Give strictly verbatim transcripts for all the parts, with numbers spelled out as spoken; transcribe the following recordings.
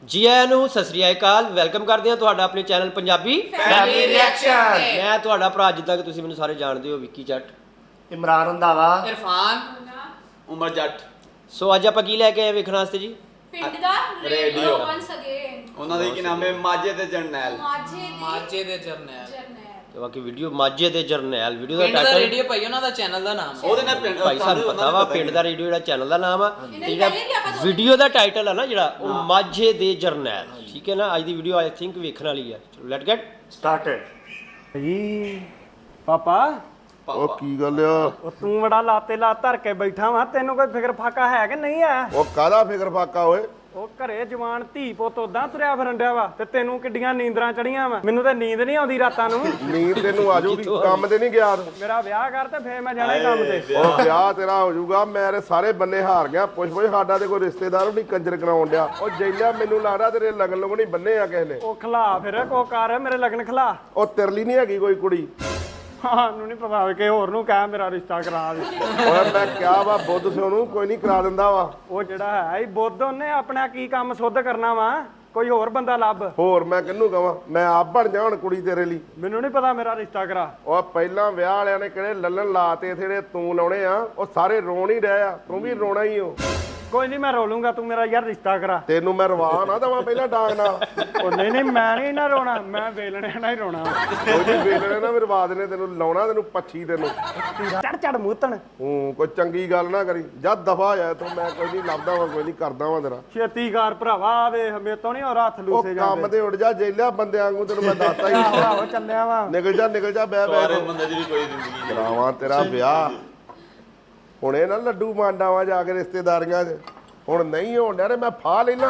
ਜੀ ਆਇਆਂ ਨੂੰ ਸਤਿ ਸ੍ਰੀ ਅਕਾਲ ਵੈਲਕਮ ਕਰਦੇ ਹਾਂ ਤੁਹਾਡਾ ਆਪਣੇ ਚੈਨਲ ਪੰਜਾਬੀ ਫੈਮਿਲੀ ਰਿਐਕਸ਼ਨ। ਮੈਂ ਤੁਹਾਡਾ ਭਰਾ ਜਿੱਦਾਂ ਕਿ ਤੁਸੀਂ ਮੈਨੂੰ ਸਾਰੇ ਜਾਣਦੇ ਹੋ ਵਿੱਕੀ ਜੱਟ ਇਮਰਾਨ ਰੰਧਾਵਾ ਇਰਫਾਨ ਉਮਰ ਜੱਟ। ਸੋ ਅੱਜ ਆਪਾਂ ਕੀ ਲੈ ਕੇ ਆਏ ਵੇਖਣ ਵਾਸਤੇ ਜੀ ਪਿੰਡ ਦਾ ਰੇਡੀਓ ਵਾਂਸ ਅਗੇਨ ਉਹਨਾਂ ਦੇ ਕੀ ਨਾਮ ਹੈ ਮਾਝੇ ਤੇ ਜਰਨੈਲ। ਮਾਝੇ ਦੀ ਮਾਝੇ ਦੇ ਜਰਨੈਲ ਜਰਨੈਲ ਤੇ ਬਾਕੀ ਵੀਡੀਓ ਮਾਝੇ ਦੇ ਜਰਨੈਲ ਵੀਡੀਓ ਦਾ ਪਿੰਡ ਦਾ ਟਾਈਟਲ ਰੇਡੀਓ ਭਾਈ ਉਹਨਾਂ ਦਾ ਚੈਨਲ ਦਾ ਨਾਮ ਹੈ। ਉਹਦੇ ਨਾਲ ਪਿੰਡ ਭਾਈ ਸਾਨੂੰ ਪਤਾ ਵਾ ਪਿੰਡ ਦਾ ਰੇਡੀਓ ਜਿਹੜਾ ਚੈਨਲ ਦਾ ਨਾਮ ਆ ਤੇ ਜਿਹੜਾ ਵੀਡੀਓ ਦਾ ਟਾਈਟਲ ਆ ਨਾ ਜਿਹੜਾ ਉਹ ਮਾਝੇ ਦੇ ਜਰਨੈਲ ਠੀਕ ਹੈ ਨਾ। ਅੱਜ ਦੀ ਵੀਡੀਓ ਆਈ ਥਿੰਕ ਵੇਖਣ ਵਾਲੀ ਆ। ਚਲੋ ਲੈਟ ਗੈਟ ਸਟਾਰਟਡ। ਜੀ ਪਾਪਾ ਉਹ ਕੀ ਗੱਲ ਆ? ਉਹ ਤੂੰ ਬੜਾ ਲਾਤੇ ਲਾ ਧਰ ਕੇ ਬੈਠਾ ਵਾ ਤੈਨੂੰ ਕੋਈ ਫਿਕਰ ਫਾਕਾ ਹੈ ਕਿ ਨਹੀਂ ਆ? ਉਹ ਕਾਹਦਾ ਫਿਕਰ ਫਾਕਾ ਓਏ? ਉਹ ਘਰੇ ਜਵਾਨ ਧੀ ਪੁੱਤ ਉਦਾਂ ਤੁਰਿਆ ਫਿਰਨ ਡਿਆ ਵਾ ਤੇ ਤੈਨੂੰ ਕਿੱਡੀਆਂ ਨੀਂਦਰਾਂ ਚੜੀਆਂ ਵਾ। ਮੈਨੂੰ ਤਾਂ ਨੀਂਦ ਨਹੀਂ ਆਉਂਦੀ ਰਾਤਾਂ ਨੂੰ। ਨੀਂਦ ਤੈਨੂੰ ਆ ਜਾਊਗੀ, ਕੰਮ ਤੇ ਨਹੀਂ ਗਿਆ ਤੂੰ? ਮੇਰਾ ਵਿਆਹ ਕਰ ਤੇ ਫੇਰ ਮੈਂ ਜਾਣਾ ਈ ਕੰਮ ਤੇ। ਉਹ ਵਿਆਹ ਤੇਰਾ ਹੋ ਜਾਊਗਾ। ਮੇਰੇ ਸਾਰੇ ਬੰਨੇ ਹਾਰ ਗਿਆ। ਪੁੱਛ ਪੁੱਛ ਸਾਡਾ ਤੇ ਕੋਈ ਰਿਸ਼ਤੇਦਾਰ ਵੀ ਨਹੀਂ ਕੰਜਰ ਕਰਾਉਣ ਡਿਆ। ਉਹ ਜੈਲਿਆ ਮੈਨੂੰ ਲੱਗਦਾ ਤੇਰੇ ਲਗਨ ਲੁਗਨ ਨਹੀਂ ਬੰਨੇ ਆ ਕਿਸੇ ਨੇ। ਉਹ ਖਲਾ ਫਿਰ ਕੋ ਕਰ ਮੇਰੇ ਲਗਨ ਖਲਾ। ਉਹ ਤਿਰਲੀ ਨਹੀਂ ਹੈਗੀ ਕੋਈ ਕੁੜੀ? ਹਾਂ ਨੂੰ ਨਹੀਂ ਪਤਾ ਕਿ ਹੋਰ ਨੂੰ ਕਹਿ ਮੇਰਾ ਰਿਸ਼ਤਾ ਕਰਾ ਦੇ। ਓਏ ਮੈਂ ਕਿਹਾ ਵਾ ਬੁੱਧ ਸਿਓ ਨੂੰ ਕੋਈ ਨਹੀਂ ਕਰਾ ਦਿੰਦਾ ਵਾ। ਉਹ ਜਿਹੜਾ ਹੈ ਇਹ ਬੁੱਧ ਉਹਨੇ ਆਪਣਾ ਕੀ ਕੰਮ ਸੁੱਧ ਕਰਨਾ ਵਾ। ਕੋਈ ਹੋਰ ਬੰਦਾ ਲੱਭ। ਹੋਰ ਮੈਂ ਕਿਹਨੂੰ ਕਵਾਂ? ਮੈਂ ਆਪ ਬਣ ਜਾ ਹੁਣ ਕੁੜੀ ਤੇਰੇ ਲਈ। ਮੈਨੂੰ ਨਹੀਂ ਪਤਾ ਮੇਰਾ ਰਿਸ਼ਤਾ ਕਰਾ। ਉਹ ਪਹਿਲਾਂ ਵਿਆਹ ਵਾਲਿਆਂ ਨੇ ਕਿਹੜੇ ਲੱਲਣ ਲਾਤੇ ਜਿਹੜੇ ਤੂੰ ਲਾਉਣੇ ਆ ਉਹ ਸਾਰੇ ਰੋਣ ਹੀ ਰਹੇ ਆ। ਤੂੰ ਵੀ ਰੋਣਾ ਹੀ ਹੋ। ਕੋਈ ਨਹੀਂ ਮੈਂ ਰੋਲੂੰਗਾ ਤੂੰ ਮੇਰਾ ਯਾਰ ਰਿਸ਼ਤਾ ਕਰਾ। ਤੈਨੂੰ ਮੈਂ ਰਵਾ ਨਾ ਦਵਾਂ ਪਹਿਲਾਂ ਡਾਂਗ ਨਾਲ। ਉਹ ਨਹੀਂ ਨਹੀਂ ਮੈਂ ਨਹੀਂ ਨਾ ਰੋਣਾ ਮੈਂ ਵੇਲਣੇ ਨਾਲ ਹੀ ਰੋਣਾ। ਕੋਈ ਨਹੀਂ ਵੇਲਣੇ ਨਾ ਮੇਰੇ ਰਵਾ ਦੇਣੇ ਤੈਨੂੰ ਲਾਉਣਾ ਤੈਨੂੰ ਪੱਛੀ ਤੈਨੂੰ। ਚੜ ਚੜ ਮੂਤਣ ਹੂੰ ਕੋਈ ਚੰਗੀ ਗੱਲ ਨਾ ਕਰੀ। ਜਦ ਦਫਾ ਜਾ ਤੂੰ। ਮੈਂ ਕੋਈ ਨਹੀਂ ਲੱਭਦਾ ਵਾ ਕੋਈ ਨਹੀਂ ਕਰਦਾ ਵਾ ਤੇਰਾ। ਛੇਤੀ ਕਰ ਭਰਾਵਾ ਵੇ ਹਮੇ ਤੋਂ ਨਹੀਂ ਹੋਰ ਹੱਥ ਉਹ ਲੂਸੇ ਕੰਮ ਜਾਂਦੇ। ਤੇ ਉੱਡ ਜਾ ਜੇਲਿਆ ਬੰਦਿਆਂ ਵਾਂਗੂ ਤੈਨੂੰ ਮੈਂ ਦੱਸਤਾ ਹੀ। ਆਹੋ ਚੱਲਿਆ ਵਾ। ਨਿਕਲ ਜਾ ਨਿਕਲ ਜਾ ਬਹਿ ਸਾਰੇ ਬਹਿ ਬੰਦੇ ਦੀ ਵੀ ਕੋਈ ਜ਼ਿੰਦਗੀ ਨਹੀਂ। ਕਰਾਵਾਂ ਤੇਰਾ ਵਿਆਹ। ਹੁਣ ਇਹ ਨਾ ਲੱਡੂ ਮਾਂਡਾਵਾਂ ਜਾ ਕੇ ਰਿਸ਼ਤੇਦਾਰੀਆਂ 'ਚ। ਹੁਣ ਨਹੀਂ ਹੋਣ ਡਿਆ ਤੇ ਮੈਂ ਫਾਹ ਲੈ ਲਾਂ।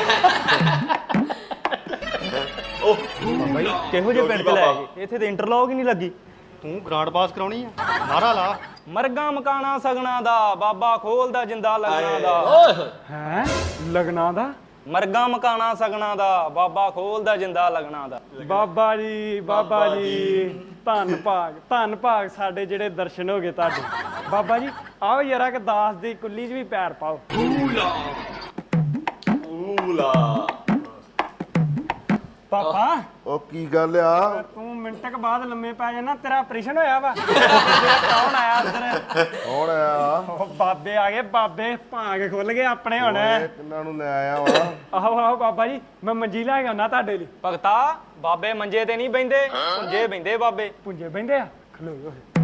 ਬਾਈ ਕਿਹੋ ਜਿਹੇ ਪਿੰਡ ਚ ਲੈ ਗਏ? ਇੱਥੇ ਤੇ ਇੰਟਰਲੌਕ ਹੀ ਨਹੀਂ ਲੱਗੀ। ਤੂੰ ਗ੍ਰਾਂਡ ਪਾਸ ਕਰਾਉਣੀ ਆ? ਨਾਰਾ ਲਾ। ਮਰਗਾ ਮਕਾਣਾ ਸਗਣਾ ਦਾ ਬਾਬਾ ਖੋਲਦਾ ਜਿੰਦਾ ਲਗਣਾ ਦਾ। ਹੈ ਲਗਨਾ ਦਾ ਮਰਗਾ ਮਕਾਣਾ ਸਗਣਾ ਦਾ ਬਾਬਾ ਖੋਲਦਾ ਜਿੰਦਾ ਲਗਣਾ ਦਾ। ਬਾਬਾ ਜੀ ਬਾਬਾ ਜੀ ਧੰਨ ਭਾਗ ਧੰਨ ਭਾਗ ਸਾਡੇ ਜਿਹੜੇ ਦਰਸ਼ਨ ਹੋ ਗਏ ਤੁਹਾਡੇ। ਬਾਬਾ ਜੀ ਆਓ ਯਾਰਾ ਕਿ ਦਾਸ ਦੀ ਕੁੱਲੀ 'ਚ ਵੀ ਪੈਰ ਪਾਓ। ਊਲਾ ਪਾਪਾ ਉਹ ਕੀ ਗੱਲ ਆ? ਤੂੰ ਮਿੰਟ ਕ ਬਾਅਦ ਲੰਮੇ ਪੈ ਜਾਣਾ ਤੇਰਾ ਆਪਰੇਸ਼ਨ ਹੋਇਆ ਵਾ। ਕੌਣ ਆਇਆ ਅੰਦਰ? ਕੌਣ ਆ? ਉਹ ਬਾਬੇ ਆ ਗਏ ਬਾਬੇ ਭਾਂਗ ਖੁੱਲ ਗਏ ਆਪਣੇ ਹੁਣ। ਓਏ ਕਿੰਨਾਂ ਨੂੰ ਲੈ ਆਇਆ ਵਾ? ਆਹੋ ਆਹੋ ਬਾਬਾ ਜੀ ਮੈਂ ਮੰਜੀ ਲੈ ਕੇ ਆਉਣਾ ਤੁਹਾਡੇ ਲਈ। ਭਗਤਾ ਬਾਬੇ ਮੰਜੇ ਤੇ ਨਹੀਂ ਬਹਿੰਦੇ ਪੁੰਜੇ ਬਹਿੰਦੇ ਬਾਬੇ। ਪੁੰਜੇ ਬਹਿੰਦੇ ਆ ਖਲੋ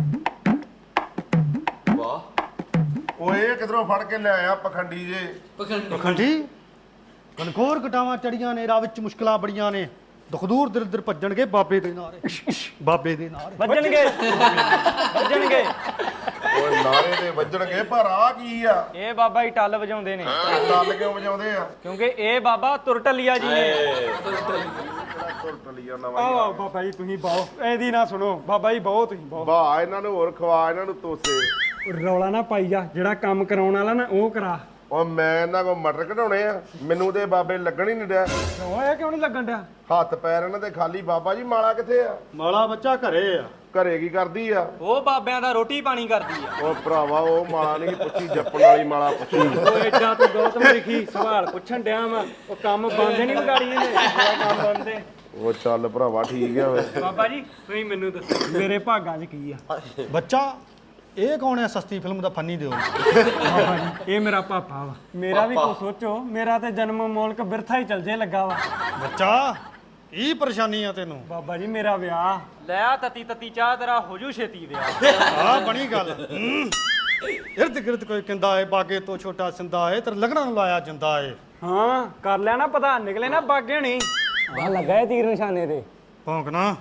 ਵਾਹ। ਓਏ ਇਹ ਕਿਧਰੋਂ ਫੜ ਕੇ ਲੈ ਆਇਆ ਪਖੰਡੀ ਜੇ? ਪਖੰਡੀ ਕਨਕੋਰ ਕਟਾਵਾਂ ਚੜੀਆਂ ਨੇ। ਰਾਹ ਵਿੱਚ ਮੁਸ਼ਕਲਾਂ ਬੜੀਆਂ ਨੇ। ਦੁੱਖ ਦੂਰ ਦਰ ਦਰ ਭੱਜਣਗੇ ਬਾਬੇ ਦੇ ਨਾਰੇ। ਬਾਬੇ ਦੇ ਨਾਰੇ ਵੱਜਣਗੇ ਵੱਜਣਗੇ। ਓਏ ਨਾਰੇ ਦੇ ਵੱਜਣਗੇ ਪਰ ਆ ਕੀ ਆ? ਇਹ ਬਾਬਾ ਹੀ ਟੱਲ ਵਜਾਉਂਦੇ ਨੇ ਟੱਲ ਕਿਉਂ ਵਜਾਉਂਦੇ ਆ? ਕਿਉਂਕਿ ਇਹ ਬਾਬਾ ਤੁਰਟਲੀਆ ਜੀ ਨੇ। ਤੁਰ ਟਲੀਆ ਨਵਾਂ ਹੀ ਆਓ ਬਾਬਾ ਜੀ ਤੁਸੀਂ ਬਾਓ ਇਹਦੀ ਨਾ ਸੁਣੋ ਬਾਬਾ ਜੀ ਬਾਓ ਤੁਸੀਂ ਬਾਓ। ਵਾਹ ਇਹਨਾਂ ਨੂੰ ਹੋਰ ਖਵਾ ਇਹਨਾਂ ਨੂੰ ਤੋਸੇ। ਰੌਲਾ ਨਾ ਪਾਈ ਜਾ ਜਿਹੜਾ ਕੰਮ ਕਰਾਉਣ ਵਾਲਾ ਨਾ ਉਹ ਕਰਾ। ਉਹ ਮੈਂ ਇਹਨਾਂ ਕੋ ਮਟਰ ਕਢਾਉਣੇ ਆ। ਮੈਨੂੰ ਤੇ ਬਾਬੇ ਲੱਗਣ ਹੀ ਨਹੀਂ ਡਿਆ। ਕਿਉਂ ਇਹ ਕਿਉਂ ਨਹੀਂ ਲੱਗਣ ਡਿਆ? ਹੱਥ ਪੈਰ ਇਹਨਾਂ ਦੇ ਖਾਲੀ। ਬਾਬਾ ਜੀ ਮਾਲਾ ਕਿੱਥੇ ਆ? ਮਾਲਾ ਬੱਚਾ ਘਰੇ ਆ। ਘਰੇ ਕੀ ਕਰਦੀ ਆ? ਉਹ ਬਾਬਿਆਂ ਦਾ ਰੋਟੀ ਪਾਣੀ ਕਰਦੀ ਆ। ਉਹ ਭਰਾਵਾ ਉਹ ਮਾਲਾ ਨਹੀਂ ਪੁੱਛੀ ਜੱਪਣ ਵਾਲੀ ਮਾਲਾ ਪੁੱਛੀ। ਉਹ ਐਡਾ ਤੂੰ ਗੌਤਮ ਲਿਖੀ ਸਵਾਲ ਪੁੱਛਣ ਡਿਆ ਵਾ। ਉਹ ਕੰਮ ਬੰਦ ਨਹੀਂ ਵਿਗਾੜੀ ਇਹਨੇ। ਮੇਰਾ ਕੰਮ ਬੰਦ ਹੈ। ਉਹ ਚੱਲ ਭਰਾਵਾ ਠੀਕ ਆ ਵੇ। ਬਾਬਾ ਜੀ ਤੁਸੀਂ ਮੈਨੂੰ ਦੱਸੋ ਮੇਰੇ ਭਾਗਾਂ 'ਚ ਕੀ ਆ? ਬੱਚਾ ਇਹ ਕੌਣ ਹੈ ਸਸਤੀ ਫਿਲਮ ਦਾ ਫੰਨੀ ਦਿਓ? ਬਾਬਾ ਜੀ ਇਹ ਮੇਰਾ ਪਾਪਾ ਵਾ। ਮੇਰਾ ਵੀ ਕੋ ਸੋਚੋ ਮੇਰਾ ਤੇ ਜਨਮ ਮੋਲਕ ਬਿਰਥਾ ਹੀ ਚਲ ਜੇ ਲੱਗਾ ਵਾ। ਬੱਚਾ ਕੀ ਪਰੇਸ਼ਾਨੀ ਆ ਤੈਨੂੰ? ਬਾਬਾ ਜੀ ਮੇਰਾ ਵਿਆਹ। ਲੈ ਆ ਤਤੀ ਤਤੀ ਚਾਹ ਤੇਰਾ ਹੋ ਜੂ ਛੇਤੀ ਵਿਆਹ। ਆ ਬਣੀ ਗੱਲ। ਇਰਦ ਗਿਰਦ ਕੋਈ ਕਹਿੰਦਾ ਏ ਬਾਗੇ ਤੋਂ ਛੋਟਾ ਸਿੰਦਾ ਏ ਤੇ ਲਗਣਾ ਨੂੰ ਲਾਇਆ ਜਿੰਦਾ ਏ। ਹਾਂ ਕਰ ਲਿਆ ਨਾ ਪਤਾ ਨਿਕਲੇ ਨਾ ਬਾਗੇ ਨਹੀਂ। ਆ ਲੱਗਾ ਤੀਰ ਨਿਸ਼ਾਨੇ ਤੇ। ਭੌਂਕਣਾ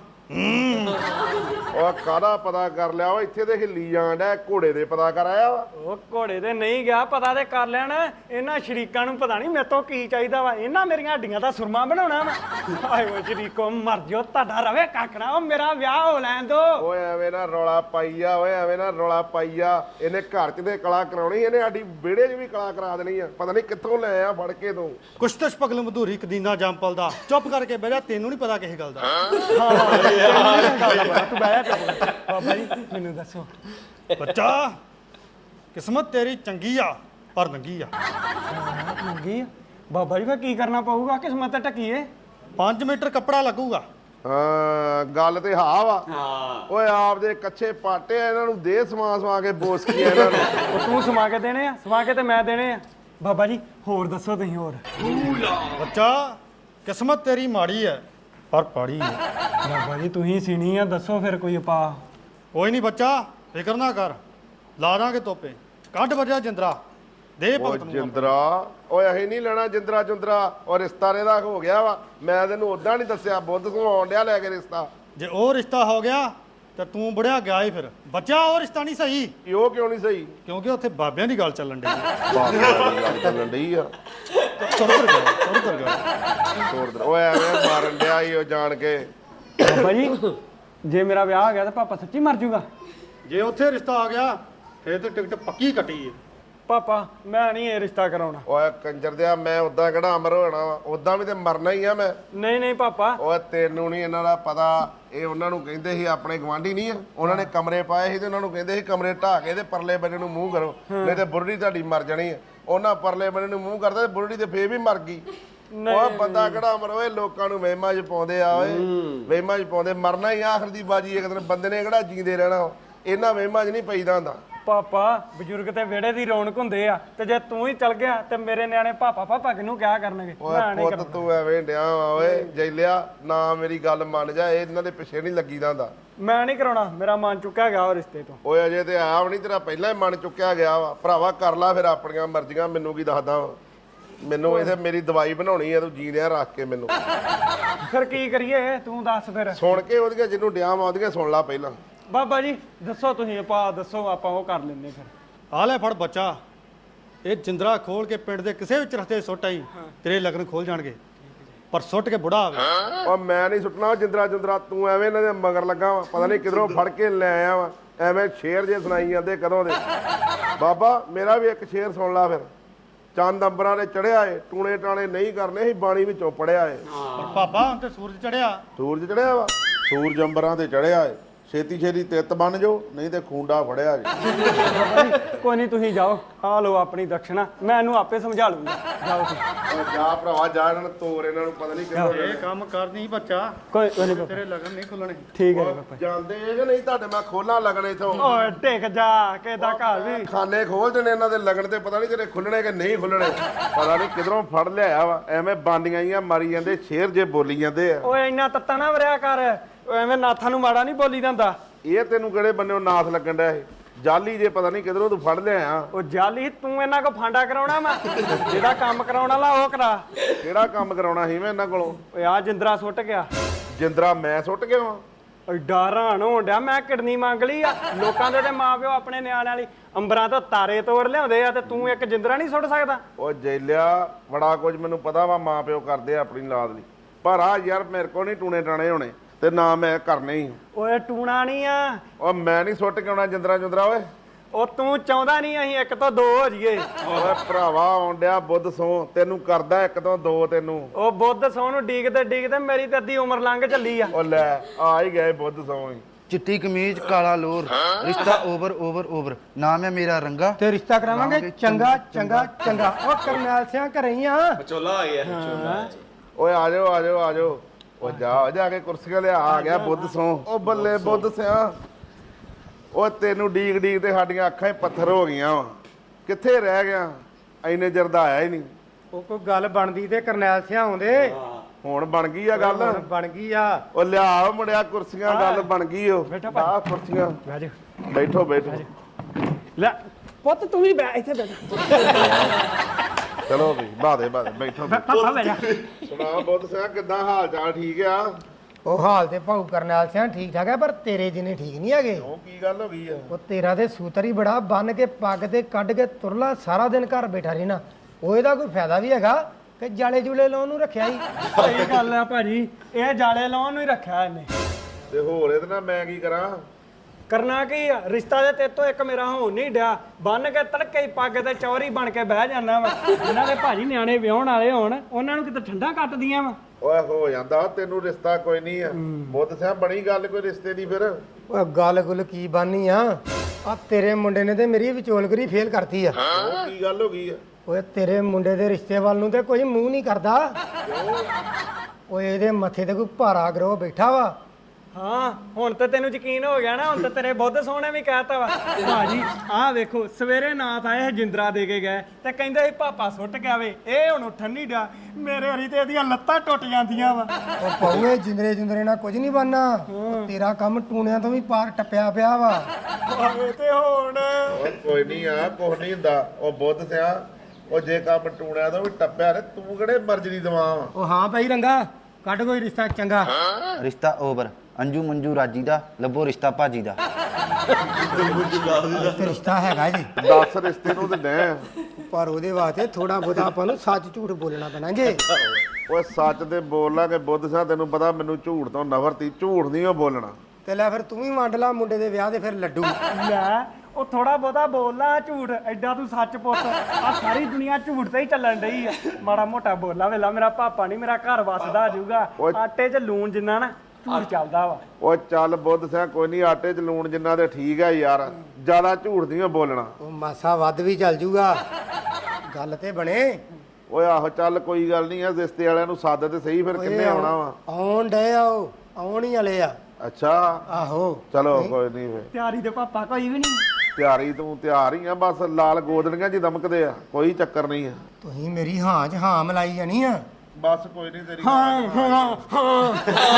ਉਹ ਕਾਹਦਾ ਪਤਾ ਕਰ ਲਿਆ? ਉਹ ਇੱਥੇ ਤੇ ਹਿੱਲੀ ਜਾਣ ਡਿਆ। ਘੋੜੇ ਦੇ ਪਤਾ ਕਰ ਆਇਆ ਵਾ? ਉਹ ਘੋੜੇ ਤੇ ਨਹੀਂ ਗਿਆ ਪਤਾ ਤੇ ਕਰ ਲੈਣਾ। ਇਹਨਾਂ ਸ਼ਰੀਕਾਂ ਨੂੰ ਪਤਾ ਨਹੀਂ ਮੇਰੇ ਤੋਂ ਕੀ ਚਾਹੀਦਾ ਵਾ। ਇਹਨਾਂ ਮੇਰੀਆਂ ਹੱਡੀਆਂ ਦਾ ਸੁਰਮਾ ਬਣਾਉਣਾ ਵਾ। ਹਾਏ ਓ ਸ਼ਰੀਕੋ ਮਰ ਜਿਓ ਤੁਹਾਡਾ ਰਵੇ ਕਾਕਣਾ। ਉਹ ਮੇਰਾ ਵਿਆਹ ਹੋ ਲੈਣ ਦੋ। ਓਏ ਐਵੇਂ ਨਾ ਰੌਲਾ ਪਾਈ ਆ। ਓਏ ਐਵੇਂ ਨਾ ਰੌਲਾ ਪਾਈ ਆ। ਇਹਨੇ ਘਰ 'ਚ ਤੇ ਕਲਾ ਕਰਾਉਣੀ। ਇਹਨੇ ਸਾਡੀ ਵਿਹੜੇ 'ਚ ਵੀ ਕਲਾ ਕਰਾ ਦੇਣੀ ਆ। ਪਤਾ ਨਹੀਂ ਕਿੱਥੋਂ ਲੈ ਆ ਫੜ ਕੇ ਤੂੰ। ਕੁਸ਼ਤਸ਼ ਪਗਲ ਮਧੂਰੀ ਕਦੀਨਾ ਜੰਪਲ ਦਾ। ਚੁੱਪ ਕਰਕੇ ਬਹਿ ਜਾ ਤੈਨੂੰ ਨਹੀਂ ਪਤਾ ਕਿਸੇ ਗੱਲ ਦਾ। ਤੂੰ ਬਹਿ ਜਾ ਬਾਬਾ ਜੀ ਮੈਨੂੰ ਦੱਸੋ ਬੱਚਾ ਕਿਸਮਤ ਤੇਰੀ ਚੰਗੀ ਆ ਪਰ ਨੰਗੀ ਆ। ਮੰਗੀ ਬਾਬਾ ਜੀ ਫਿਰ ਕੀ ਕਰਨਾ ਪਊਗਾ ਕਿਸਮਤ ਤੇ ਟਕੀਏ ਪੰਜ ਮੀਟਰ ਕੱਪੜਾ ਲੱਗੂਗਾ। ਹਾਂ ਗੱਲ ਤੇ ਹਾਂ ਵਾ। ਹਾਂ ਓਏ ਆਪਦੇ ਕੱਚੇ ਪਾਟੇ ਆ, ਇਹਨਾਂ ਨੂੰ ਦੇ ਸਮਾ ਸਮਾ ਕੇ ਬੋਸਕੀ ਇਹਨਾਂ ਨੂੰ। ਉਹ ਤੂੰ ਸਮਾ ਕੇ ਦੇਣੇ ਆ ਸਮਾ ਕੇ ਤੇ ਮੈਂ ਦੇਣੇ ਆ। ਬਾਬਾ ਜੀ ਹੋਰ ਦੱਸੋ ਤੁਸੀਂ ਹੋਰ। ਬੱਚਾ ਕਿਸਮਤ ਤੇਰੀ ਮਾੜੀ ਹੈ ਪਰ ਪਾੜੀ ਹੈ। ਬਾਬਾ ਜੀ ਤੁਸੀਂ ਸੀਣੀ ਆ ਦੱਸੋ ਫਿਰ ਕੋਈ ਉਪਾਅ। ਕੋਈ ਨਹੀਂ ਬੱਚਾ ਫਿਕਰ ਨਾ ਕਰ, ਲਾ ਦਾਂਗੇ ਤੋਪੇ। ਕੱਢ ਵਜਾ ਜਿੰਦਰਾ ਦੇ ਓ ਭਗਤ ਨੂੰ। ਜਿੰਦਰਾ ਓਏ ਅਸੀਂ ਨਹੀਂ ਲੈਣਾ ਜਿੰਦਰਾ ਜੁੰਦਰਾ, ਉਹ ਰਿਸ਼ਤਾ ਇਹਦਾ ਹੋ ਗਿਆ ਵਾ। ਮੈਂ ਤੈਨੂੰ ਉਦਾਂ ਨਹੀਂ ਦੱਸਿਆ, ਬੁੱਧ ਤੋਂ ਆਉਣ ਡਿਆ ਲੈ ਕੇ ਰਿਸ਼ਤਾ। ਜੇ ਉਹ ਰਿਸ਼ਤਾ ਹੋ ਗਿਆ ਤੇ ਤੂੰ ਬੁੜਿਆ ਗਿਆ ਹੀ ਫਿਰ। ਬੱਚਾ ਉਹ ਰਿਸ਼ਤਾ ਨਹੀਂ ਸਹੀ, ਕਿ ਉਹ ਕਿਉਂ ਨਹੀਂ ਸਹੀ? ਕਿਉਂਕਿ ਉੱਥੇ ਬਾਬਿਆਂ ਦੀ ਗੱਲ ਚੱਲਣ ਡਈ ਹੈ। ਬਾਬਿਆਂ ਦੀ ਗੱਲ ਚੱਲਣ ਡਈ ਆ। ਤੁਰ ਤੁਰ ਗਿਆ ਤੁਰ ਤੁਰ ਗਿਆ। ਤੋੜ ਦੇ ਓਏ ਐਵੇਂ ਮਾਰਨ ਡਿਆ ਈ ਉਹ ਜਾਣ ਕੇ। ਬਾਬਾ ਜੀ ਜੇ ਮੇਰਾ ਵਿਆਹ ਹੋ ਗਿਆ ਤਾਂ ਪਾਪਾ ਸੱਚੀ ਮਰ ਜਾਊਗਾ? ਜੇ ਉੱਥੇ ਰਿਸ਼ਤਾ ਆ ਗਿਆ ਫਿਰ ਤੇ ਟਿਕਟ ਪੱਕੀ ਕੱਟੀ ਹੈ। ਪਾਪਾ ਮੈਂ ਨਹੀਂ ਇਹ ਰਿਸ਼ਤਾ ਕਰਾਉਣਾ। ਓਏ ਕੰਜਰ ਦਿਆ, ਮੈਂ ਉਦਾਂ ਕਿਹੜਾ ਅਮਰ ਹੋਣਾ ਵਾ, ਉਦਾਂ ਵੀ ਤੇ ਮਰਨਾ ਹੀ ਆ ਮੈਂ। ਨਹੀਂ ਨਹੀਂ ਪਾਪਾ। ਓਏ ਤੈਨੂੰ ਨਹੀਂ ਇਹਨਾਂ ਦਾ ਪਤਾ। ਇਹ ਉਹਨਾਂ ਨੂੰ ਕਹਿੰਦੇ ਸੀ, ਆਪਣੇ ਗਵਾਂਢੀ ਨਹੀਂ ਆ, ਉਹਨਾਂ ਨੇ ਕਮਰੇ ਪਾਏ ਸੀ ਤੇ ਉਹਨਾਂ ਨੂੰ ਕਹਿੰਦੇ ਸੀ ਕਮਰੇ ਢਾਹ ਕੇ ਤੇ ਪਰਲੇ ਬੰਨੇ ਨੂੰ ਮੂੰਹ ਕਰੋ, ਨਹੀਂ ਤੇ ਬੁਰੜੀ ਤੁਹਾਡੀ ਮਰ ਜਾਣੀ ਆ। ਉਹਨਾਂ ਪਰਲੇ ਬੰਨੇ ਨੂੰ ਮੂੰਹ ਕਰਦਾ ਤੇ ਬੁਰੜੀ ਤੇ ਫੇਰ ਵੀ ਮਰ ਗਈ। ਓਏ ਬੰਦਾ ਕਿਹੜਾ ਅਮਰ ਓਏ, ਲੋਕਾਂ ਨੂੰ ਵਹਿਮਾਂ 'ਚ ਪਾਉਂਦੇ ਆ ਓਏ, ਵਹਿਮਾਂ 'ਚ ਪਾਉਂਦੇ। ਮਰਨਾ ਹੀ ਆਖਰ ਦੀ ਬਾਜੀ ਇੱਕ ਦਿਨ ਬੰਦੇ ਨੇ ਕਿਹੜਾ ਜੀਂਦੇ ਰਹਿਣਾ। ਇਹਨਾਂ ਵਹਿਮਾਂ 'ਚ ਨਹੀਂ ਪਈਦਾ ਹੁੰਦਾ। ਪਾਪਾ ਬਜ਼ੁਰਗ ਤੇ ਵਿਹੜੇ ਦੀ ਰੌਣਕ ਹੁੰਦੇ ਆ ਤੇ ਜੇ ਤੂੰ ਹੀ ਚਲ ਗਿਆ ਤੇ ਮੇਰੇ ਨਿਆਣੇ ਪਾਪਾ ਪਾਪਾ ਕਿਹਨੂੰ ਕਿਹਾ ਕਰਨਗੇ। ਓਏ ਪੁੱਤ ਤੂੰ ਐਵੇਂ ਡਿਆ ਵਾ ਓਏ ਜੈਲਿਆ, ਨਾ ਮੇਰੀ ਗੱਲ ਮੰਨ ਜਾ, ਇਹ ਇਹਨਾਂ ਦੇ ਪਿੱਛੇ ਨਹੀਂ ਲੱਗੀਦਾ ਹੁੰਦਾ। ਮੈਂ ਨਹੀਂ ਕਰਾਉਣਾ, ਮੇਰਾ ਮਨ ਚੁੱਕਿਆ ਗਿਆ ਉਹ ਰਿਸ਼ਤੇ ਤੋਂ। ਓਏ ਅਜੇ ਤੇ ਆਇਆ ਵੀ ਨਹੀਂ, ਤੇਰਾ ਪਹਿਲਾਂ ਹੀ ਮਨ ਚੁੱਕਿਆ ਗਿਆ ਵਾ। ਭਰਾਵਾ ਕਰ ਲਾ ਫਿਰ ਆਪਣੀਆਂ ਮਰਜ਼ੀਆਂ, ਮੈਨੂੰ ਕੀ ਦੱਸਦਾ ਵਾ। ਮੈਨੂੰ ਇਥੇ ਮੇਰੀ ਦਵਾਈ ਬਣਾਉਣੀ ਆ, ਤੂੰ ਜੀਂਦਿਆਂ ਰੱਖ ਕੇ ਮੈਨੂੰ। ਫਿਰ ਕੀ ਕਰੀਏ ਤੂੰ ਦੱਸ ਫਿਰ। ਸੁਣ ਕੇ ਉਹਦੀਆਂ ਜਿਹਨੂੰ ਡਿਆ ਵਾ ਉਹਦੀਆਂ ਸੁਣ ਲਾ ਪਹਿਲਾਂ। ਬਾਬਾ ਜੀ ਦੱਸੋ ਤੁਸੀਂ ਉਪਾਅ ਦੱਸੋ, ਆਪਾਂ ਉਹ ਕਰ ਲੈਂਦੇ ਫਿਰ। ਆ ਲੈ ਫੜ ਬੱਚਾ, ਇਹ ਜਿੰਦਰਾ ਖੋਲ ਕੇ ਪਿੰਡ ਦੇ ਕਿਸੇ ਵੀ ਰਸਤੇ ਸੁੱਟ ਆਈ, ਤੇਰੇ ਲਗਨ ਖੋਲ ਜਾਣਗੇ। ਪਰ ਸੁੱਟ ਕੇ ਬੁੜਾ ਆਵੇ। ਓ ਮੈਂ ਨਹੀਂ ਸੁੱਟਣਾ ਜਿੰਦਰਾ ਜੁੰਦਰਾ, ਤੂੰ ਐਵੇਂ ਇਹਨਾਂ ਦੇ ਮਗਰ ਲੱਗਾ ਵਾ, ਪਤਾ ਨਹੀਂ ਕਿਧਰੋਂ ਫੜ ਕੇ ਲੈ ਆਇਆ ਵਾ। ਐਵੇਂ ਸ਼ੇਰ ਜੇ ਸੁਣਾਈ ਜਾਂਦੇ ਕਦੋਂ ਦੇ। ਬਾਬਾ ਮੇਰਾ ਵੀ ਇੱਕ ਸ਼ੇਰ ਸੁਣ ਲਾ ਫਿਰ। ਚੰਦ ਅੰਬਰਾਂ ਦੇ ਚੜਿਆ ਏ, ਟੂਣੇ ਟਾਣੇ ਨਹੀਂ ਕਰਨੇ ਸੀ, ਬਾਣੀ ਵਿੱਚੋਂ ਪੜਿਆ ਏ। ਪਰ ਪਾਪਾ ਹੁਣ ਤੇ ਸੂਰਜ ਚੜਿਆ। ਸੂਰਜ ਚੜਿਆ ਵਾ, ਸੂਰਜ ਅੰਬਰਾਂ ਤੇ ਚੜਿਆ ਏ। ਛੇਤੀ ਛੇਤੀ ਤਿੱਤ ਬਣ ਜਾਓ, ਨਹੀਂ ਤੇ ਖੂੰਡਾ ਫੜਿਆ ਜੀ। ਕੋਈ ਨਹੀਂ ਤੁਸੀਂ ਜਾਓ, ਆ ਲਓ ਆਪਣੀ ਦਕਸ਼ਨਾ, ਮੈਂ ਇਹਨੂੰ ਆਪੇ ਸਮਝਾ ਲੂੰਗਾ। ਜਾਓ ਤੁਸੀਂ। ਜਾ ਭਰਾਵਾ ਜਾ, ਇਹਨਾਂ ਨੂੰ ਤੋਰ, ਇਹਨਾਂ ਨੂੰ ਪਤਾ ਨਹੀਂ ਕਿਹੜਾ। ਇਹ ਕੰਮ ਕਰਨੀ ਬੱਚਾ, ਕੋਈ ਕੋਈ ਨਹੀਂ ਤੇਰੇ ਲਗਨ ਨਹੀਂ ਖੁੱਲਣੇ। ਠੀਕ ਹੈ ਪਾਪਾ। ਜਾਂਦੇ ਇਹ ਕਿ ਨਹੀਂ ਤੁਹਾਡੇ ਮੈਂ ਖੋਲਾਂ ਲੱਗਣੇ ਇਥੋਂ। ਓਏ ਟਿਕ ਜਾ, ਕਿਹਦਾ ਘਰ ਵੀ ਖਾਨੇ ਖੋਲ ਦੇਣੇ ਇਹਨਾਂ ਦੇ ਲੱਗਣ ਤੇ, ਪਤਾ ਨਹੀਂ ਤੇਰੇ ਖੁੱਲਣੇ ਕਿ ਨਹੀਂ ਖੁੱਲਣੇ। ਪਤਾ ਨਹੀਂ ਕਿਧਰੋਂ ਫੜ ਲਿਆਇਆ ਵਾ, ਐਵੇਂ ਬਾਂਡੀਆਂ ਜੀਆਂ ਮਾਰੀ ਜਾਂਦੇ, ਸ਼ੇਰ ਜੇ ਬੋਲੀ ਜਾਂਦੇ ਆ। ਓਏ ਇੰਨਾ ਤੱਤਾ ਨਾ ਵਰਿਆ ਕਰ, ਐਵੇਂ ਨਾਥਾਂ ਨੂੰ ਮਾੜਾ ਨਹੀਂ ਬੋਲੀ ਜਾਂਦਾ। ਇਹ ਤੈਨੂੰ ਕਿਹੜੇ ਬੰਨਿਓ ਨਾਥ ਲੱਗਣ ਡਿਆ ਇਹ? ਜਾਲੀ ਜੇ ਪਤਾ ਨਹੀਂ ਕਿਧਰੋਂ ਤੂੰ ਫੜ ਲਿਆਇਆ। ਉਹ ਜਾਲੀ ਤੂੰ ਇਹਨਾਂ ਕੋ ਫਾਂਡਾ ਕਰਾਉਣਾ ਮੈਂ, ਜਿਹੜਾ ਕੰਮ ਕਰਾਉਣ ਵਾਲਾ ਉਹ ਕਰਾ। ਕਿਹੜਾ ਕੰਮ ਕਰਾਉਣਾ ਸੀ ਮੈਂ ਇਹਨਾਂ ਕੋਲੋਂ? ਓਏ ਆ ਜਿੰਦਰਾ ਸੁੱਟ ਗਿਆ। ਜਿੰਦਰਾ ਮੈਂ ਸੁੱਟ ਗਿਆ ਵਾਂ? ਐਡਾ ਹੈਰਾਨ ਹੋਣ ਡਿਆ, ਮੈਂ ਕਿਡਨੀ ਮੰਗ ਲਈ ਆ। ਲੋਕਾਂ ਦੇ ਤੇ ਮਾਪਿਓ ਆਪਣੇ ਨਿਆਣਿਆਂ ਲਈ ਅੰਬਰਾਂ ਤੋਂ ਤਾਰੇ ਤੋੜ ਲਿਆਉਂਦੇ ਆ ਤੇ ਤੂੰ ਇੱਕ ਜਿੰਦਰਾ ਨਹੀਂ ਸੁੱਟ ਸਕਦਾ। ਉਹ ਜੈਲਿਆ ਬੜਾ ਕੁਝ ਮੈਨੂੰ ਪਤਾ ਵਾ, ਮਾਂ ਪਿਓ ਕਰਦੇ ਆ ਆਪਣੀ ਲਾਦ ਲਈ, ਪਰ ਆ ਯਾਰ ਮੇਰੇ ਕੋਲ ਨਹੀਂ ਟੂਣੇ ਟਾਣੇ ਹੋਣੇ ਤੇ ਨਾ ਮੈਂ ਕਰਨੇ ਹੀ। ਓਏ ਟੂਣਾ ਨਹੀਂ ਆ। ਉਹ ਮੈਂ ਨਹੀਂ ਸੁੱਟ ਕੇ ਆਉਣਾ ਜਿੰਦਰਾ ਜੁੰਦਰਾ ਓਏ। ਉਹ ਤੂੰ ਚਾਹੁੰਦਾ ਨਹੀਂ ਅਸੀਂ ਇੱਕ ਤੋਂ ਦੋ ਹੋ ਜਾਈਏ। ਓਏ ਭਰਾਵਾ ਆਉਣ ਡਿਆ ਬੁੱਧ ਸੋ, ਤੈਨੂੰ ਕਰਦਾ ਇੱਕ ਤੋਂ ਦੋ ਤੈਨੂੰ। ਉਹ ਬੁੱਧ ਸੌ ਨੂੰ ਡੀਕਦੇ ਡੀਕਦੇ ਮੇਰੀ ਤੇ ਅੱਧੀ ਉਮਰ ਲੰਘ ਚੱਲੀ ਆ। ਉਹ ਲੈ ਆ ਹੀ ਗਏ ਬੁੱਧ ਸੋ ਹੀ। ਚਿੱਟੀ ਕਮੀਜ਼ ਕਾਲਾ ਲੋਰ, ਰਿਸ਼ਤਾ ਓਵਰ ਓਵਰ ਓਵਰ, ਨਾਮ ਹੈ ਮੇਰਾ ਰੰਗਾ ਤੇ ਰਿਸ਼ਤਾ ਕਰਾਵਾਂਗੇ ਚੰਗਾ ਚੰਗਾ ਚੰਗਾ। ਉਹ ਕਰਨੈਲ ਸਿਆਂ ਘਰੇ ਹੀ ਆ। ਵਿਚੋਲਾ ਆ ਗਿਆ ਵਿਚੋਲਾ। ਓਏ ਆ ਜਾਓ ਆ ਜਾਓ ਆ ਜਾਓ। ਉਹ ਜਾ ਜਾ ਕੇ ਕੁਰਸੀਆਂ ਲਿਆ, ਆ ਗਿਆ ਬੁੱਧ ਸੋ। ਉਹ ਬੱਲੇ ਬੁੱਧ ਸਿਆ, ਉਹ ਤੈਨੂੰ ਡੀਕ ਡੀਕ ਤੇ ਸਾਡੀਆਂ ਅੱਖਾਂ ਹੀ ਪੱਥਰ ਹੋ ਗਈਆਂ ਵਾ। ਕਿੱਥੇ ਰਹਿ ਗਿਆ? ਐਨੇ ਚਿਰ ਦਾ ਆਇਆ ਹੀ ਨਹੀਂ। ਉਹ ਕੋਈ ਗੱਲ ਬਣਦੀ ਤੇ ਕਰਨੈਲ ਸਿਆਂ ਆਉਂਦੇ। ਹੁਣ ਬਣ ਗਈ ਆ ਗੱਲ, ਹੁਣ ਬਣ ਗਈ ਆ। ਉਹ ਲਿਆ ਮੁੰਡਿਆ ਕੁਰਸੀਆਂ, ਗੱਲ ਬਣ ਗਈ। ਉਹ ਆ ਕੁਰਸੀਆਂ, ਬਹਿ ਜਾ। ਬੈਠੋ ਬੈਠੋ। ਲੈ ਪੁੱਤ ਤੂੰ ਵੀ ਬੈ ਇੱਥੇ ਬੈਠ। ਚਲੋ ਵੀ ਬਾਦੇ ਬਾਦੇ ਬੈਠੋ। ਪਾਪਾ ਬਹਿ ਜਾ। ਸੁਣਾ ਬੁੱਧ ਸਿਆ, ਕਿੱਦਾਂ ਹਾਲ ਚਾਲ? ਠੀਕ ਆ? ਉਹ ਹਾਲ ਤੇ ਭਾਊ ਕਰਨੈਲ ਸਿਆਂ ਠੀਕ ਠਾਕ ਆ, ਪਰ ਤੇਰੇ ਜਿੰਨੇ ਠੀਕ ਨਹੀਂ ਹੈਗੇ। ਉਹ ਕੀ ਗੱਲ ਹੋ ਗਈ ਆ? ਉਹ ਤੇਰਾ ਤੇ ਸੂਤਰ ਹੀ ਬੜਾ, ਬੰਨ ਕੇ ਪੱਗ ਤੇ ਕੱਢ ਕੇ ਤੁਰਲਾ, ਸਾਰਾ ਦਿਨ ਘਰ ਬੈਠਾ ਰਹਿਣਾ। ਉਹ ਇਹਦਾ ਕੋਈ ਫਾਇਦਾ ਵੀ ਹੈਗਾ ਕਿ ਜਾਲੇ ਜੂਲੇ ਲਾਉਣ ਨੂੰ ਰੱਖਿਆ ਹੀ? ਸਹੀ ਗੱਲ ਆ ਭਾਜੀ, ਇਹ ਜਾਲੇ ਲਾਉਣ ਨੂੰ ਹੀ ਰੱਖਿਆ ਇਹਨੇ। ਤੇ ਹੋਰ ਇਹਦੇ ਨਾਲ ਮੈਂ ਕੀ ਕਰਾਂ? ਕਰਨਾ ਕੀ ਆ? ਰਿਸ਼ਤਾ ਦੇ ਤੇਤੋਂ ਇੱਕ ਮੇਰਾ ਹੋਣ ਨਹੀਂ ਡਿਆ, ਬੰਨ ਕੇ ਤੜਕੇ ਹੀ ਪੱਗ ਤੇ ਚੌਰੀ ਬਣ ਕੇ ਬਹਿ ਜਾਂਦਾ ਵਾ। ਇਹਨਾਂ ਦੇ ਭਾਜੀ ਨਿਆਣੇ ਵਿਆਹਣ ਵਾਲੇ ਹੋਣ, ਉਹਨਾਂ ਨੂੰ ਕਿਤੇ ਠੰਡਾ ਕੱਟਦੀਆਂ ਵਾ। ਓਏ ਹੋ ਜਾਂਦਾ, ਤੈਨੂੰ ਰਿਸ਼ਤਾ ਕੋਈ ਨਹੀਂ ਆ। ਬੁੱਧ ਸਿਆ ਬਣੀ ਗੱਲ ਕੋਈ ਰਿਸ਼ਤੇ ਦੀ ਫਿਰ? ਉਹ ਗੱਲ ਗੁੱਲ ਕੀ ਬਾਨੀ ਆ? ਆ ਤੇਰੇ ਮੁੰਡੇ ਨੇ ਤੇ ਮੇਰੀ ਵਿਚੋਲਗਰੀ ਫੇਲ ਕਰਤੀ ਆ। ਉਹ ਕੀ ਗੱਲ ਹੋ ਗਈ ਆ? ਓਏ ਤੇਰੇ ਮੁੰਡੇ ਦੇ ਰਿਸ਼ਤੇ ਵੱਲ ਨੂੰ ਤੇ ਕੋਈ ਮੂੰਹ ਨਹੀਂ ਕਰਦਾ। ਓਏ ਇਹਦੇ ਮੱਥੇ ਤੇ ਕੋਈ ਭਾਰਾ ਗਰੋਹ ਬੈਠਾ ਵਾ। ਹਾਂ ਹੁਣ ਤਾਂ ਤੈਨੂੰ ਯਕੀਨ ਹੋ ਗਿਆ ਨਾ, ਹੁਣ ਤਾਂ ਤੇਰੇ ਬੁੱਧ ਸੋਹਣੇ ਵੀ ਕਹਿਤਾ ਵਾ। ਭਾਜੀ ਆਹ ਵੇਖੋ ਸਵੇਰੇ ਨਾਥ ਆਏ ਜਿੰਦਰਾ ਦੇ ਕੇ ਗਏ ਤੇ ਕਹਿੰਦੇ ਸੀ ਪਾਪਾ ਸੁੱਟ ਗਿਆ ਵੇ, ਇਹ ਹੁਣ ਉੱਠਣ ਨਹੀਂ ਡਿਆ। ਮੇਰੇ ਹਰੀ ਤੇ ਇਹਦੀਆਂ ਲੱਤਾਂ ਟੁੱਟ ਜਾਂਦੀਆਂ ਵਾ। ਉਹ ਪਊਏ ਜਿੰਦਰੇ ਜਿੰਦਰੇ ਨਾਲ ਕੁਝ ਨਹੀਂ ਬਣਨਾ। ਤੇਰਾ ਕੰਮ ਟੂਣਿਆਂ ਤੋਂ ਵੀ ਪਾਰ ਟੱਪਿਆ ਪਿਆ ਵਾ। ਆਵੇ ਤੇ ਹੁਣ ਓਏ ਕੋਈ ਨਹੀਂ ਆ, ਕੁਛ ਨਹੀਂ ਹੁੰਦਾ। ਉਹ ਬੁੱਧ ਸਿਆ, ਉਹ ਜੇ ਕੰਮ ਟੂਣਿਆ ਤੋਂ ਵੀ ਟੱਪਿਆ ਨੇ, ਤੂੰ ਕਿਹੜੇ ਮਰਜ਼ੀ ਦਵਾ ਵਾ। ਉਹ ਹਾਂ ਭਾਈ ਰੰਗਾ ਕੱਢ ਕੋਈ ਰਿਸ਼ਤਾ ਚੰਗਾ। ਰਿਸ਼ਤਾ ਓਵਰ। ਅੰਜੂ ਮੰਜੂ ਰਾਜੀ ਦਾ ਲੱਭੋ ਰਿਸ਼ਤਾ ਭਾਜੀ ਦਾ। ਤੇ ਰਿਸ਼ਤਾ ਹੈਗਾ ਜੀ, ਦਸ ਰਿਸ਼ਤੇ ਨੂੰ ਤੇ ਡੈ। ਪਰ ਉਹਦੇ ਵਾਸਤੇ ਥੋੜਾ ਬਹੁਤਾ ਆਪਾਂ ਨੂੰ ਸੱਚ ਝੂਠ ਬੋਲਣਾ ਪੈਣਾ ਜੇ। ਓਏ ਸੱਚ ਤੇ ਬੋਲਾਂਗੇ ਬੁੱਧ ਸਿਆ, ਤੈਨੂੰ ਪਤਾ ਮੈਨੂੰ ਝੂਠ ਤੋਂ ਨਫ਼ਰਤੀ, ਝੂਠ ਨਹੀਂ ਉਹ ਬੋਲਣਾ। ਤੇ ਲੈ ਫਿਰ ਤੂੰ ਵੀ ਵੰਡ ਲਾ ਮੁੰਡੇ ਦੇ ਵਿਆਹ ਦੇ ਫਿਰ ਲੱਡੂ। ਲੈ ਉਹ ਥੋੜਾ ਬਹੁਤਾ ਬੋਲਣਾ ਝੂਠ, ਐਡਾ ਤੂੰ ਸੱਚ ਪੁੱਤ। ਆ ਸਾਰੀ ਦੁਨੀਆ ਝੂਠ ਤੇ ਹੀ ਚੱਲਣ ਡਈ ਆ। ਮਾੜਾ ਮੋਟਾ ਬੋਲਾ ਵੇਲਾ ਮੇਰਾ ਪਾਪਾ ਨਹੀਂ ਮੇਰਾ ਘਰ ਵਸਦਾ ਜਾਊਗਾ। ਆਟੇ 'ਚ ਲੂਣ ਜਿੰਨਾ ਨਾ ਝੂਠ ਚੱਲਦਾ ਵਾ। ਓਏ ਚੱਲ ਬੁੱਧ ਸਿਆ ਕੋਈ ਨਹੀਂ, ਆਟੇ 'ਚ ਲੂਣ ਜਿੰਨਾ ਤੇ ਠੀਕ ਆ ਯਾਰ, ਜ਼ਿਆਦਾ ਝੂਠ ਨਹੀਂ ਬੋਲਣਾ। ਉਹ ਮਾਸਾ ਵੱਧ ਵੀ ਚੱਲ ਜੂਗਾ, ਗੱਲ ਤੇ ਬਣੇ। ਓਏ ਆਹੋ ਚੱਲ ਕੋਈ ਗੱਲ ਨਹੀਂ ਆ, ਰਿਸ਼ਤੇ ਵਾਲਿਆਂ ਨੂੰ ਸੱਦ ਤੇ ਸਹੀ, ਫਿਰ ਕਿੰਨੇ ਆਉਣਾ ਵਾ? ਆਉਣ ਡੇ ਆ, ਉਹ ਆਉਣ ਹੀ ਵਾਲੇ ਆ। ਅੱਛਾ ਆਹੋ ਚਲੋ ਕੋਈ ਨਹੀਂ ਫਿਰ। ਤਿਆਰੀ ਤੇ ਪਾਪਾ ਕੋਈ ਵੀ ਨਹੀਂ। ਤਿਆਰੀ ਤੂੰ ਤਿਆਰ ਹੀ ਆ, ਬਸ ਲਾਲ ਗੋਦੜੀਆਂ ਜੀ ਦਮਕਦੇ ਆ, ਕੋਈ ਚੱਕਰ ਨਹੀਂ ਆ। ਤੁਸੀਂ ਮੇਰੀ ਹਾਂ 'ਚ ਹਾਂ ਮਿਲਾਈ ਜਾਣੀ ਆ। ਬਸ ਕੋਈ ਨਹੀਂ ਤੇਰੀ ਹਾਂ ਹਾਂ ਹਾਂ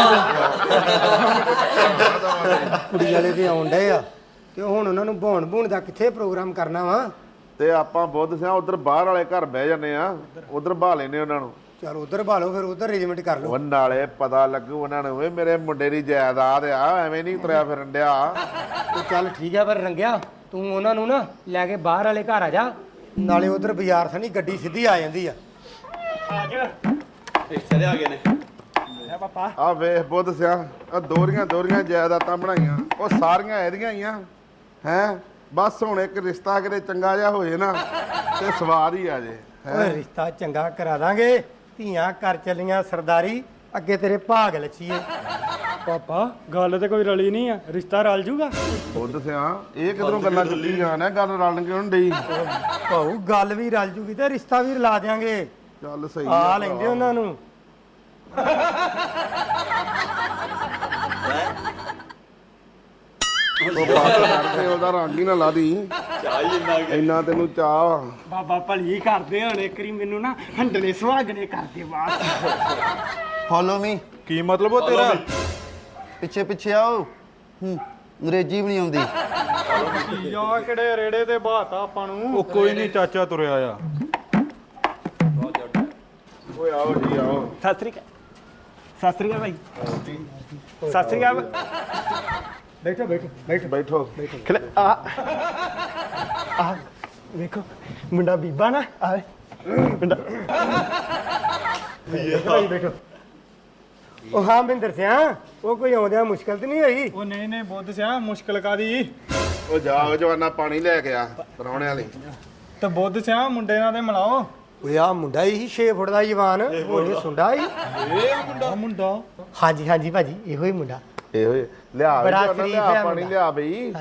ਕੁੜੀ ਵਾਲੇ ਤੇ ਆਉਣ ਡੇ ਆ, ਤੇ ਹੁਣ ਉਹਨਾਂ ਨੂੰ ਭੌਣ ਭੂਣ ਦਾ ਕਿੱਥੇ ਪ੍ਰੋਗਰਾਮ ਕਰਨਾ ਵਾ? ਤੇ ਆਪਾਂ ਬੁੱਧ ਸਿਆ ਉਧਰ ਬਾਹਰ ਵਾਲੇ ਘਰ ਬਹਿ ਜਾਂਦੇ ਆ, ਉਧਰ ਬਹਾ ਲੈਨੇ ਉਹਨਾਂ ਨੂੰ। ਚਲ ਉਧਰ ਭਾਲੋ, ਫਿਰ ਉਧਰ ਅਰੇਂਜਮੈਂਟ ਕਰ ਲਓ। ਉਹ ਨਾਲੇ ਪਤਾ ਲੱਗੂ ਉਹਨਾਂ ਨੂੰ ਵੀ ਮੇਰੇ ਮੁੰਡੇ ਦੀ ਜਾਇਦਾਦ ਆ, ਐਵੇਂ ਨਹੀਂ ਤੁਰਿਆ ਫਿਰਨ ਡਿਆ। ਤੇ ਚੱਲ ਠੀਕ ਆ, ਪਰ ਰੰਗਿਆ ਤੂੰ ਉਹਨਾਂ ਨੂੰ ਨਾ ਲੈ ਕੇ ਬਾਹਰ ਵਾਲੇ ਘਰ ਆ ਜਾ, ਨਾਲੇ ਉਧਰ ਬਾਜ਼ਾਰ ਥਾਣੀ ਗੱਡੀ ਸਿੱਧੀ ਆ ਜਾਂਦੀ ਆ। ਆ ਜਾ ਰਿਸ਼ਤੇ ਆ ਗਏ ਨੇ। ਆ ਪਾਪਾ ਆ ਵੇਖ ਬੁੱਧ ਸਿਆ, ਆ ਦੋਰੀਆਂ ਦੋਰੀਆਂ ਜਾਇਦਾਦਾਂ ਬਣਾਈਆਂ, ਉਹ ਸਾਰੀਆਂ ਇਹਦੀਆਂ ਹੀ ਆ ਹੈ। ਬਸ ਹੁਣ ਇੱਕ ਰਿਸ਼ਤਾ ਕਿਤੇ ਚੰਗਾ ਜਿਹਾ ਹੋ ਜੇ ਨਾ ਤੇ ਸਵਾਦ ਹੀ ਆ ਜੇ। ਓਏ ਰਿਸ਼ਤਾ ਚੰਗਾ ਕਰਾ ਦਾਂਗੇ, ਧੀਆਂ ਕਰ ਚੱਲੀਆਂ ਸਰਦਾਰੀ, ਅੱਗੇ ਤੇਰੇ ਭਾਗ ਲੱਛੀਏ। ਪਾਪਾ ਗੱਲ ਤੇ ਕੋਈ ਰਲੀ ਨਹੀਂ ਆ, ਰਿਸ਼ਤਾ ਰਲ ਜੂਗਾ। ਬੁੱਧ ਸਿਆ ਇਹ ਕਿਧਰੋਂ ਗੱਲਾਂ ਚੁੱਕੀ ਜਾਣਾ, ਗੱਲ ਰਲਣ ਕਿਉਂ ਨੀ ਡਈ? ਭਾਊ ਗੱਲ ਵੀ ਰਲ ਜੂਗੀ ਤੇ ਰਿਸ਼ਤਾ ਵੀ ਰਲਾ ਦਿਆਂਗੇ। ਚੱਲ ਸਹੀ ਆ ਲੈਂਦੇ ਉਹਨਾਂ ਨੂੰ। ਉਹ ਬਾਤ ਕਰਦੇ ਉਹਦਾ ਰੰਗ ਹੀ ਨਾ ਲਾ ਦੀ, ਚਾਹ ਹੀ ਇੰਨਾ ਕਿ ਇੰਨਾ ਤੈਨੂੰ ਚਾਹ। ਬਾਬਾ ਭਲੀ ਕਰਦੇ ਹੁਣ ਇੱਕ ਵਾਰੀ ਮੈਨੂੰ ਨਾ ਹੰਡਣੇ ਸੁਹਾਗਣੇ ਕਰਦੇ ਬਾਤ। Follow me. ਕੀ ਮਤਲਬ ਉਹ ਤੇਰਾ? ਪਿੱਛੇ ਪਿੱਛੇ ਆਓ। ਹੂੰ ਅੰਗਰੇਜ਼ੀ ਵੀ ਨਹੀਂ ਆਉਂਦੀ। ਯਾ ਕਿਹੜੇ ਰੇੜੇ ਤੇ ਬਾਤਾ ਆਪਾਂ ਨੂੰ। ਉਹ ਕੋਈ ਨਹੀਂ ਚਾਚਾ ਤੁਰਿਆ ਆ। ਓਏ ਆਓ ਜੀ ਆਓ। ਸਤਿ ਸ੍ਰੀ ਅਕਾਲ। ਸਤਿ ਸ੍ਰੀ ਅਕਾਲ ਭਾਈ। ਸਤਿ ਸ੍ਰੀ ਅਕਾਲ। ਬੈਠੋ ਬੈਠੋ ਬੈਠੋ ਬੈਠੋ। ਖਲੇ ਆ ਆ ਵੇਖੋ ਮੁੰਡਾ ਬੀਬਾ ਨਾ ਆ ਮੁੰਡਾ। ਭਾਈ ਬੈਠੋ। ਉਹ ਹਾਂ ਬਿੰਦਰ ਸਿਆ, ਉਹ ਕੋਈ ਆਉਂਦਿਆਂ ਮੁਸ਼ਕਲ ਤੇ ਨਹੀਂ ਹੋਈ? ਉਹ ਨਹੀਂ ਨਹੀਂ ਬੁੱਧ ਸਿਆ ਮੁਸ਼ਕਲ ਕਾਦੀ। ਉਹ ਜਾਓ ਜਵਾਨਾ ਪਾਣੀ ਲੈ ਕੇ ਆ ਪਰਾਉਣੇ ਵਾਲੀ। ਤੇ ਬੁੱਧ ਸਿਆ ਮੁੰਡੇ ਨਾਲ ਤੇ ਮਿਲਾਓ। ਓਏ ਆ ਮੁੰਡਾ ਹੀ ਛੇ ਫੁੱਟ ਦਾ ਜਵਾਨ, ਉਹਨੇ ਸੁੰਡਾ ਹੀ। ਇਹ ਮੁੰਡਾ ਮੁੰਡਾ ਹਾਂਜੀ ਹਾਂਜੀ ਭਾਜੀ ਇਹੋ ਹੀ ਮੁੰਡਾ। ਇਹੋ ਹੀ ਲਿਆ ਬੜਾ ਜਵਾਨਾ, ਸ਼ਰੀਫ ਲਿਆ ਹੈ ਪਾਣੀ ਮੁੰਡਾ। ਲਿਆ ਬਈ।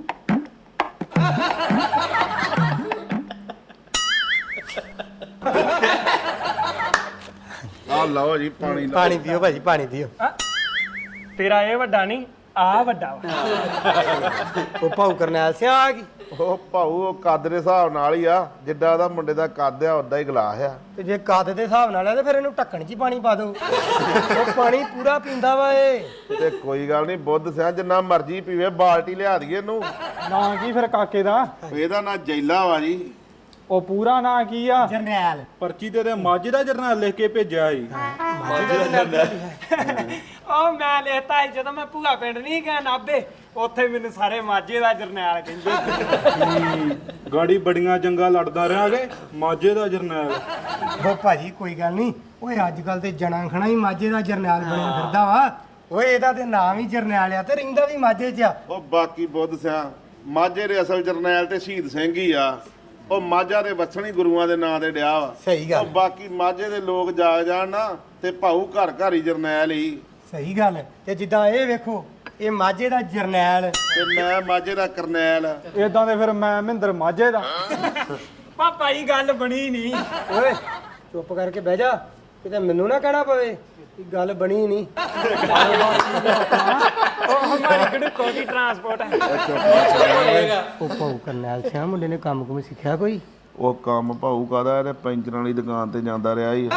ਆ ਲਓ ਜੀ ਪਾਣੀ ਲਓ। ਪਾਣੀ ਪੀਓ ਭਾਜੀ ਪਾਣੀ ਪੀਓ। ਤੇਰਾ ਇਹ ਵੱਡਾ ਨਹੀਂ ਆ ਵੱਡਾ ਵਾ। ਉਹ ਭਾਊ ਕਰਨੈਲ ਸਿਆ ਆ ਗਈ। ਉਹ ਭਾਊ ਉਹ ਕੱਦ ਦੇ ਹਿਸਾਬ ਨਾਲ ਹੀ ਆ, ਜਿੱਡਾ ਉਹਦਾ ਮੁੰਡੇ ਦਾ ਕੱਦ ਆ ਉਦਾਂ ਹੀ ਗਲਾਸ ਆ। ਤੇ ਜੇ ਕੱਦ ਦੇ ਹਿਸਾਬ ਨਾਲ ਆ ਤੇ ਫਿਰ ਇਹਨੂੰ ਢੱਕਣ 'ਚ ਹੀ ਪਾਣੀ ਪਾ ਦਿਓ। ਉਹ ਪਾਣੀ ਪੂਰਾ ਪੀਂਦਾ ਵਾ ਇਹ। ਤੇ ਕੋਈ ਗੱਲ ਨਹੀਂ ਬੁੱਧ ਸਿਆ, ਜਿੰਨਾ ਮਰਜ਼ੀ ਪੀਵੇ, ਬਾਲਟੀ ਲਿਆ ਦਈਏ ਇਹਨੂੰ। ਨਾ ਕੀ ਫਿਰ ਕਾਕੇ ਦਾ? ਇਹਦਾ ਨਾਂ ਜੈਲਾ ਵਾ ਜੀ। ਉਹ ਪੂਰਾ ਨਾਂ ਕੀ ਆ? ਜਰਨੈਲ। ਪਰਚੀ ਤੇ ਮਾਝੇ ਦਾ ਜਰਨਲ ਲਿਖ ਕੇ ਭੇਜਿਆ ਸੀ। ਉਹ ਮੈਂ ਲਿਖਤਾ ਸੀ ਜਦੋਂ ਮੈਂ ਭੂਆ ਪਿੰਡ ਨਹੀਂ ਗਿਆ ਨਾਭੇ, ਉੱਥੇ ਮੈਨੂੰ ਸਾਰੇ ਮਾਝੇ ਦਾ ਜਰਨੈਲ ਕਹਿੰਦੇ। ਗਾੜੀ ਬੜੀਆਂ ਜੰਗਾਂ ਲੜਦਾ ਰਹਾਂਗੇ, ਮਾਝੇ ਦਾ ਜਰਨੈਲ। ਉਹ ਭਾਜੀ ਕੋਈ ਗੱਲ ਨਹੀਂ, ਓਏ ਅੱਜ ਕੱਲ ਤੇ ਜਣਾ ਖਣਾ ਹੀ ਮਾਝੇ ਦਾ ਜਰਨੈਲ ਬਣਿਆ ਫਿਰਦਾ ਵਾ। ਓਏ ਇਹਦਾ ਤੇ ਨਾਮ ਹੀ ਜਰਨੈਲ ਆ ਤੇ ਰਹਿੰਦਾ ਵੀ ਮਾਝੇ 'ਚ ਆ। ਉਹ ਬਾਕੀ ਬੁੱਧ ਸਿਆ ਮਾਝੇ ਦੇ ਅਸਲ ਜਰਨੈਲ ਤੇ ਸ਼ਹੀਦ ਸਿੰਘ ਹੀ ਆ। ਉਹ ਮਾਝਾ ਦੇ ਵਸਣੀ ਗੁਰੂਆਂ ਦੇ ਨਾਂ ਤੇ ਡਿਆ ਵਾ। ਸਹੀ ਗੱਲ। ਉਹ ਬਾਕੀ ਮਾਝੇ ਦੇ ਲੋਕ ਜਾਗ ਜਾਣ ਨਾ ਤੇ ਭਾਊ ਘਰ ਘਰ ਹੀ ਜਰਨੈਲ ਹੀ। ਸਹੀ ਗੱਲ। ਤੇ ਜਿੱਦਾਂ ਇਹ ਵੇਖੋ, ਇਹ ਮਾਝੇ ਦਾ ਜਰਨੈਲ ਤੇ ਮੈਂ ਮਾਝੇ ਦਾ ਕਰਨੈਲ। ਇਦਾਂ ਦੇ ਫਿਰ ਮੈਂ ਮਹਿੰਦਰ ਮਾਝੇ ਦਾ। ਪਾਪਾ ਜੀ ਗੱਲ ਬਣੀ ਨਹੀਂ। ਓਏ ਚੁੱਪ ਕਰਕੇ ਬਹਿ ਜਾ, ਕਿਤੇ ਮੈਨੂੰ ਨਾ ਕਹਿਣਾ ਪਵੇ ਕਿ ਗੱਲ ਬਣੀ ਨਹੀਂ। ਉਹ ਹਮਾਰੀ ਗੜੂਕੋ ਦੀ ਟਰਾਂਸਪੋਰਟ ਹੈ। ਉਹ ਭਾਊ ਕਰਨੈਲ ਸਿਆ ਮੁੰਡੇ ਨੇ ਕੰਮ ਕੁਮ ਸਿੱਖਿਆ ਕੋਈ? ਉਹ ਕੰਮ ਭਾਊ ਕਾਦਾ, ਇਹਦੇ ਪੈਂਚਰਾਂ ਵਾਲੀ ਦੁਕਾਨ ਤੇ ਜਾਂਦਾ ਰਿਹਾ ਹੀ।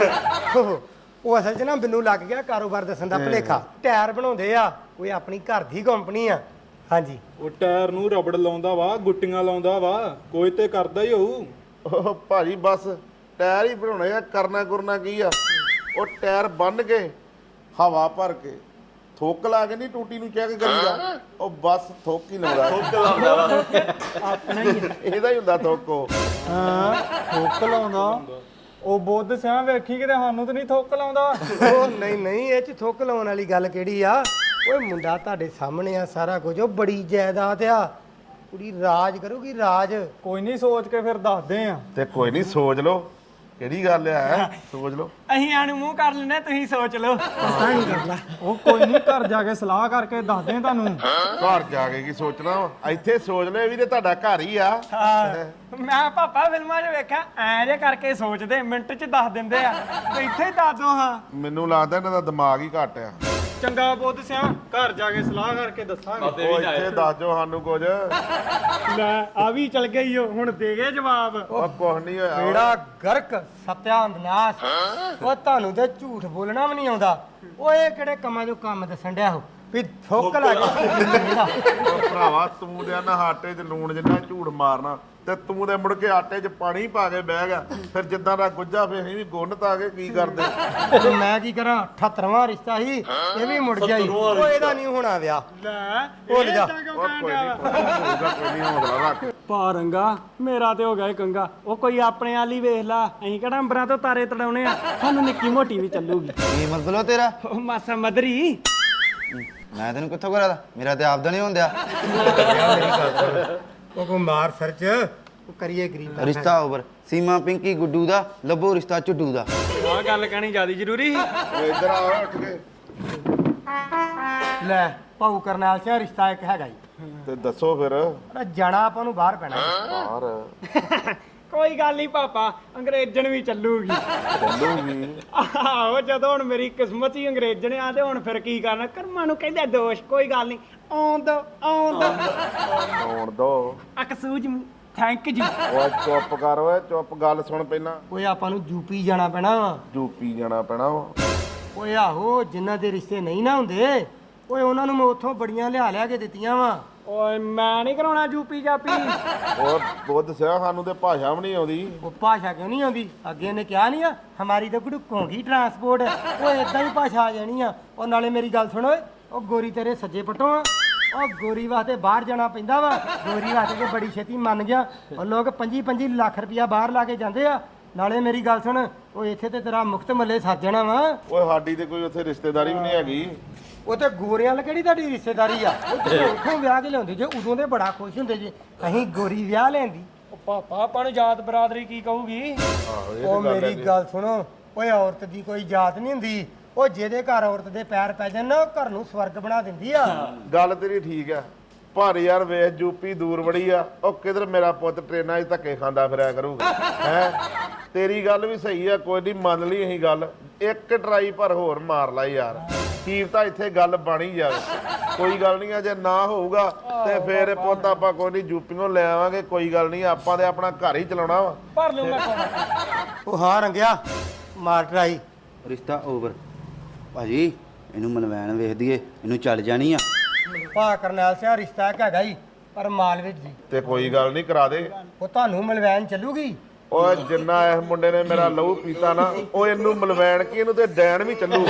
ਉਹ ਅਸਲ 'ਚ ਨਾ ਮੈਨੂੰ ਲੱਗ ਗਿਆ ਕਾਰੋਬਾਰ ਦੱਸਣ ਦਾ ਭੁਲੇਖਾ। ਟਾਇਰ ਬਣਾਉਂਦੇ ਆ, ਕੋਈ ਆਪਣੀ ਘਰ ਦੀ ਕੰਪਨੀ ਆ। ਹਾਂਜੀ। ਉਹ ਟਾਇਰ ਨੂੰ ਰਬੜ ਲਾਉਂਦਾ ਵਾ, ਗੁੱਟੀਆਂ ਲਾਉਂਦਾ ਵਾ, ਕੋਈ ਤੇ ਕਰਦਾ ਹੀ ਹੋਊ। ਉਹ ਭਾਜੀ ਬਸ ਟਾਇਰ ਹੀ ਬਣਾਉਣੇ ਆ, ਕਰਨਾ ਕਰਨਾ ਕੀ ਆ। ਉਹ ਟਾਇਰ ਬੰਨ ਕੇ ਹਵਾ ਭਰ ਕੇ ਥੁੱਕ ਲਾ ਕੇ ਨਹੀਂ ਟੂਟੀ ਨੂੰ ਚੈੱਕ ਕਰੀਦਾ, ਉਹ ਬਸ ਥੁੱਕ ਹੀ ਲਾਉਂਦਾ। ਆਪਣਾ ਹੀ ਇਹਦਾ ਹੀ ਹੁੰਦਾ ਥੁੱਕ। ਉਹ ਹਾਂ ਥੁੱਕ ਲਾਉਂਦਾ। ਉਹ ਬੁੱਧ ਸਿਆ ਵੇਖੀ ਕਿਤੇ ਸਾਨੂੰ ਤਾਂ ਨਹੀਂ ਥੁੱਕ ਲਾਉਂਦਾ। ਉਹ ਨਹੀਂ ਨਹੀਂ, ਇਹ 'ਚ ਥੁੱਕ ਲਾਉਣ ਵਾਲੀ ਗੱਲ ਕਿਹੜੀ ਆ? ਓਏ ਮੁੰਡਾ ਤੁਹਾਡੇ ਸਾਹਮਣੇ ਆ ਸਾਰਾ ਕੁਝ, ਉਹ ਬੜੀ ਜਾਇਦਾਦ ਆ, ਕੁੜੀ ਰਾਜ ਕਰੂਗੀ ਰਾਜ। ਕੋਈ ਨਹੀਂ ਸੋਚ ਕੇ ਫਿਰ ਦੱਸਦੇ ਆ। ਤੇ ਕੋਈ ਨਹੀਂ ਸੋਚ ਲਓ, ਕਿਹੜੀ ਗੱਲ ਆ, ਸੋਚ ਲਓ। ਅਸੀਂ ਆਨੂੰ ਮੂੰਹ ਕਰ ਲੈਨੇ, ਤੁਸੀਂ ਸੋਚ ਲਓ। ਪਤਾ ਨਹੀਂ ਕਰਦਾ। ਉਹ ਕੋਈ ਨਹੀਂ, ਘਰ ਜਾ ਕੇ ਸਲਾਹ ਕਰਕੇ ਦੱਸਦੇ ਆ ਤੁਹਾਨੂੰ। ਘਰ ਜਾ ਕੇ ਕੀ ਸੋਚਣਾ ਵਾ, ਇੱਥੇ ਸੋਚ ਲਓ, ਇਹ ਵੀ ਤੇ ਤੁਹਾਡਾ ਘਰ ਹੀ ਆ। ਹਾਂ ਮੈਂ ਪਾਪਾ ਫਿਲਮਾਂ 'ਚ ਵੇਖਿਆ ਐਂ ਜੇ ਕਰਕੇ ਸੋਚਦੇ, ਮਿੰਟ 'ਚ ਦੱਸ ਦਿੰਦੇ ਆ। ਤੇ ਇੱਥੇ ਹੀ ਦੱਸ ਦੋ। ਹਾਂ ਮੈਨੂੰ ਲੱਗਦਾ ਇਹਨਾਂ ਦਾ ਦਿਮਾਗ ਹੀ ਘੱਟ ਆ। ਚੰਗਾ ਬੁੱਧ ਸਿਆ, ਘਰ ਜਾ ਕੇ ਸਲਾਹ ਕਰਕੇ ਦੱਸਾਂਗੇ। ਉਹ ਇੱਥੇ ਦੱਸ ਦਿਓ ਸਾਨੂੰ ਕੁਝ। ਲੈ ਆ ਵੀ ਚਲ ਗਈ ਓ, ਹੁਣ ਦੇ ਗਏ ਜਵਾਬ। ਉਹ ਕੁਝ ਨਹੀਂ ਹੋਇਆ। ਬੇੜਾ ਗਰਕ ਸਤਿਆਨਾਸ਼। ਉਹ ਤੁਹਾਨੂੰ ਤੇ ਝੂਠ ਬੋਲਣਾ ਵੀ ਨਹੀਂ ਆਉਂਦਾ। ਓਏ ਕਿਹੜੇ ਕੰਮਾਂ 'ਚੋਂ ਕੰਮ ਦੱਸਣ ਡਿਆ ਹੋ ਵੀ ਥੁੱਕ ਲੱਗ ਗਿਆ। ਉਹ ਭਰਾਵਾ ਤੂੰ ਤੇ ਨਾ ਆਟੇ 'ਚ ਲੂਣ ਜਿੰਨਾ ਝੂਠ ਮਾਰਨਾ, ਤੇ ਤੂੰ ਤੇ ਮੁੜ ਕੇ ਆਟੇ 'ਚ ਪਾਣੀ ਪਾ ਕੇ ਬਹਿ ਗਿਆ। ਫਿਰ ਜਿੱਦਾਂ ਦਾ ਗੁੱਜਾ ਫੇਰ ਅਸੀਂ ਵੀ ਗੁੰਨ ਤਾ ਕੇ ਕੀ ਕਰਦੇ। ਤੇ ਮੈਂ ਕੀ ਕਰਾਂ, ਅਠੱਤਰਵਾਂ ਰਿਸ਼ਤਾ ਸੀ, ਇਹ ਵੀ ਮੁੜ ਗਿਆ ਈ। ਉਹ ਇਹਦਾ ਨਹੀਂ ਹੋਣਾ ਵਿਆਹ। ਲੈ ਭੁੱਲ ਜਾ। ਉਹ ਕੋਈ ਨਹੀਂ ਹੋਊਗਾ, ਕੋਈ ਨਹੀਂ ਹੌਸਲਾ ਰੱਖ। ਪਾ ਰੰਗਾ ਮੇਰਾ ਤੇ ਹੋ ਗਿਆ ਏ ਕੰਗਾ। ਉਹ ਕੋਈ ਆਪਣੇ ਵਾਲੀ ਵੇਖ ਲਾ, ਅਸੀਂ ਕਿਹੜਾ ਅੰਬਰਾਂ ਤੋਂ ਤਾਰੇ ਤੜਾਉਣੇ ਆ, ਸਾਨੂੰ ਨਿੱਕੀ ਮੋਟੀ ਵੀ ਚੱਲੂਗੀ। ਕੀ ਮਤਲਬ ਤੇਰਾ? ਉਹ ਮਾਸਾ ਮਦਰੀ। ਮੈਂ ਤੈਨੂੰ ਕਿੱਥੋਂ ਕਰਾਦਾ, ਮੇਰਾ ਤੇ ਆਪਦਾ ਨਹੀਂ ਹੁੰਦਿਆ। ਉਹ ਕੋ ਮਾਰ ਸਰਚ, ਉਹ ਕਰੀਏ ਗਰੀਬ ਰਿਸ਼ਤਾ ਓਵਰ। ਸੀਮਾ ਪਿੰਕੀ ਗੁੱਡੂ ਦਾ, ਲੱਭੋ ਰਿਸ਼ਤਾ ਝੁੱਡੂ ਦਾ। ਆਹ ਗੱਲ ਕਹਿਣੀ ਜ਼ਿਆਦਾ ਜ਼ਰੂਰੀ ਸੀ। ਉਹ ਇੱਧਰ ਆ ਉੱਠ ਕੇ। ਲੈ ਭਾਊ ਕਰਨੈਲ ਸਿੰਘ ਰਿਸ਼ਤਾ ਇੱਕ ਹੈਗਾ ਜੀ। ਤੇ ਦੱਸੋ ਫਿਰ। ਪਰ ਜਾਣਾ ਆਪਾਂ ਨੂੰ ਬਾਹਰ ਪੈਣਾ। ਬਾਹਰ ਕੋਈ ਗੱਲ ਨਹੀਂ ਪਾਪਾ, ਅੰਗਰੇਜ਼ਣ ਵੀ ਚੱਲੂਗੀ। ਚੱਲੂਗੀ। ਆਹੋ ਜਦੋਂ ਹੁਣ ਮੇਰੀ ਕਿਸਮਤ ਹੀ ਅੰਗਰੇਜ਼ਣ ਆ, ਤੇ ਹੁਣ ਫਿਰ ਕੀ ਕਰਨਾ, ਕਰਮਾਂ ਨੂੰ ਕਹਿੰਦੇ ਦੋਸ਼। ਕੋਈ ਗੱਲ ਨਹੀਂ, ਆਉਣ ਦੋ ਆਉਣ ਦੋ ਆਉਣ ਦੋ। Excuse thank you. ਓਏ ਚੁੱਪ ਕਰ, ਓਏ ਚੁੱਪ, ਗੱਲ ਸੁਣ ਪਹਿਲਾਂ। ਓਏ ਆਪਾਂ ਨੂੰ ਯੂਪੀ ਜਾਣਾ ਪੈਣਾ ਵਾ। ਯੂਪੀ ਜਾਣਾ ਪੈਣਾ ਵਾ। ਓਏ ਆਹੋ, ਜਿਨ੍ਹਾਂ ਦੇ ਰਿਸ਼ਤੇ ਨਹੀਂ ਨਾ ਹੁੰਦੇ, ਓਏ ਉਹਨਾਂ ਨੂੰ ਮੈਂ ਉੱਥੋਂ ਬੜੀਆਂ ਲਿਆ ਲਿਆ ਕੇ ਦਿੱਤੀਆਂ ਵਾ। ਓਏ ਮੈਂ ਨਹੀਂ ਕਰਾਉਣਾ ਯੂਪੀ ਜਾਪੀ। ਉਹ ਬੁੱਧ ਸਿਆ, ਸਾਨੂੰ ਤੇ ਭਾਸ਼ਾ ਵੀ ਨਹੀਂ ਆਉਂਦੀ। ਉਹ ਭਾਸ਼ਾ ਕਿਉਂ ਨਹੀਂ ਆਉਂਦੀ? ਅੱਗੇ ਇਹਨੇ ਕਿਹਾ ਨਹੀਂ ਆ ਹਮਾਰੀ ਤਾਂ ਗੁੜਕੋਂ ਕੀ ਟਰਾਂਸਪੋਰਟ। ਓਏ ਇਦਾਂ ਹੀ ਭਾਸ਼ਾ ਆ ਜਾਣੀ ਆ। ਉਹ ਨਾਲੇ ਮੇਰੀ ਗੱਲ ਸੁਣ, ਓਏ ਉਹ ਗੋਰੀ ਤੇਰੇ ਸੱਜੇ ਪੱਟੋਂ ਆ। ਉਹ ਗੋਰੀ ਵਾਸਤੇ ਬਾਹਰ ਜਾਣਾ ਪੈਂਦਾ ਵਾ। ਗੋਰੀ ਵਾਸਤੇ ਤੇ ਬੜੀ ਛੇਤੀ ਮੰਨ ਗਿਆ। ਉਹ ਲੋਕ ਪੰਜੀ ਪੰਜੀ ਲੱਖ ਰੁਪਇਆ ਬਾਹਰ ਲਾ ਕੇ ਜਾਂਦੇ ਆ। ਨਾਲੇ ਮੇਰੀ ਗੱਲ ਸੁਣ, ਉਹ ਇੱਥੇ ਤੇ ਤੇਰਾ ਮੁਕਤ ਮੱਲੇ ਸੱਜ ਜਾਣਾ ਵਾ। ਓਏ ਸਾਡੀ ਤੇ ਕੋਈ ਉੱਥੇ ਰਿਸ਼ਤੇਦਾਰੀ ਵੀ ਨਹੀਂ ਹੈਗੀ। ਉਹ ਤੇ ਗੋਰਿਆਂ ਨਾਲ ਕਿਹੜੀ ਤੁਹਾਡੀ ਰਿਸ਼ਤੇਦਾਰੀ ਆ? ਉਹ ਜਦੋਂ ਉੱਥੋਂ ਵਿਆਹ ਕੇ ਲਿਆਉਂਦੇ ਜੇ, ਉਦੋਂ ਦੇ ਬੜਾ ਖੁਸ਼ ਹੁੰਦੇ ਜੇ ਅਸੀਂ ਗੋਰੀ ਵਿਆਹ ਲੈਂਦੀ। ਉਹ ਪਾਪਾ ਆਪਾਂ ਨੂੰ ਜਾਤ ਬਰਾਦਰੀ ਕੀ ਕਹੂਗੀ? ਉਹ ਮੇਰੀ ਗੱਲ ਸੁਣੋ, ਓਏ ਔਰਤ ਦੀ ਕੋਈ ਜਾਤ ਨਹੀਂ ਹੁੰਦੀ। ਉਹ ਜਿਹਦੇ ਘਰ ਔਰਤ ਦੇ ਪੈਰ ਪੈ ਜਾਣ ਨਾ, ਉਹ ਘਰ ਨੂੰ ਸਵਰਗ ਬਣਾ ਦਿੰਦੀ ਆ। ਗੱਲ ਤੇਰੀ ਠੀਕ ਆ, ਪਰ ਯਾਰ ਵੇਖ ਯੂਪੀ ਦੂਰ ਬੜੀ ਆ। ਉਹ ਕਿਧਰ ਮੇਰਾ ਪੁੱਤ ਟ੍ਰੇਨਾਂ 'ਚ ਧੱਕੇ ਖਾਂਦਾ ਫਿਰਿਆ ਕਰੂਗਾ ਹੈ। ਤੇਰੀ ਗੱਲ ਵੀ ਸਹੀ ਆ, ਕੋਈ ਨਹੀਂ ਮੰਨ ਲਈ ਅਸੀਂ ਗੱਲ। ਇੱਕ ਟਰਾਈ ਪਰ ਹੋਰ ਮਾਰ ਲਾ ਯਾਰ, ਕੀ ਤਾਂ ਇੱਥੇ ਗੱਲ ਬਣੀ ਜਾਵੇ। ਕੋਈ ਗੱਲ ਨਹੀਂ ਆ, ਜੇ ਨਾ ਹੋਊਗਾ ਤੇ ਫੇਰ ਪੁੱਤ ਆਪਾਂ ਕੋਈ ਨਹੀਂ ਯੂਪੀਓਂ ਲੈ ਆਵਾਂਗੇ। ਕੋਈ ਗੱਲ ਨਹੀਂ, ਆਪਾਂ ਤੇ ਆਪਣਾ ਘਰ ਹੀ ਚਲਾਉਣਾ ਵਾ। ਭਰ ਲੂ ਮੈਂ ਉਹ ਹਾਂ ਰੰਗਿਆ, ਮਾਰ ਟਰਾਈ। ਰਿਸ਼ਤਾ ਓਵਰ। ਭਾਜੀ ਇਹਨੂੰ ਮਨਵੈਣ ਵੇਖ ਦਈਏ, ਇਹਨੂੰ ਚੱਲ ਜਾਣੀ ਆ। ਭਾ ਕਰਨੈਲ ਸਿੰਘ ਰਿਸ਼ਤਾ ਇੱਕ ਹੈਗਾ ਜੀ, ਪਰ ਮਾਲਵੇ ਜੀ। ਤੇ ਕੋਈ ਗੱਲ ਨਹੀਂ, ਕਰਾ ਦੇ। ਉਹ ਤੁਹਾਨੂੰ ਮਲਵੈਨ ਚੱਲੂਗੀ। ਓਏ ਜਿੰਨਾ ਇਸ ਮੁੰਡੇ ਨੇ ਮੇਰਾ ਲਹੂ ਪੀਤਾ ਨਾ, ਉਹ ਇਹਨੂੰ ਮਲਵੈਣ ਕੀ, ਇਹਨੂੰ ਤੇ ਡੈਣ ਵੀ ਚੱਲੂ।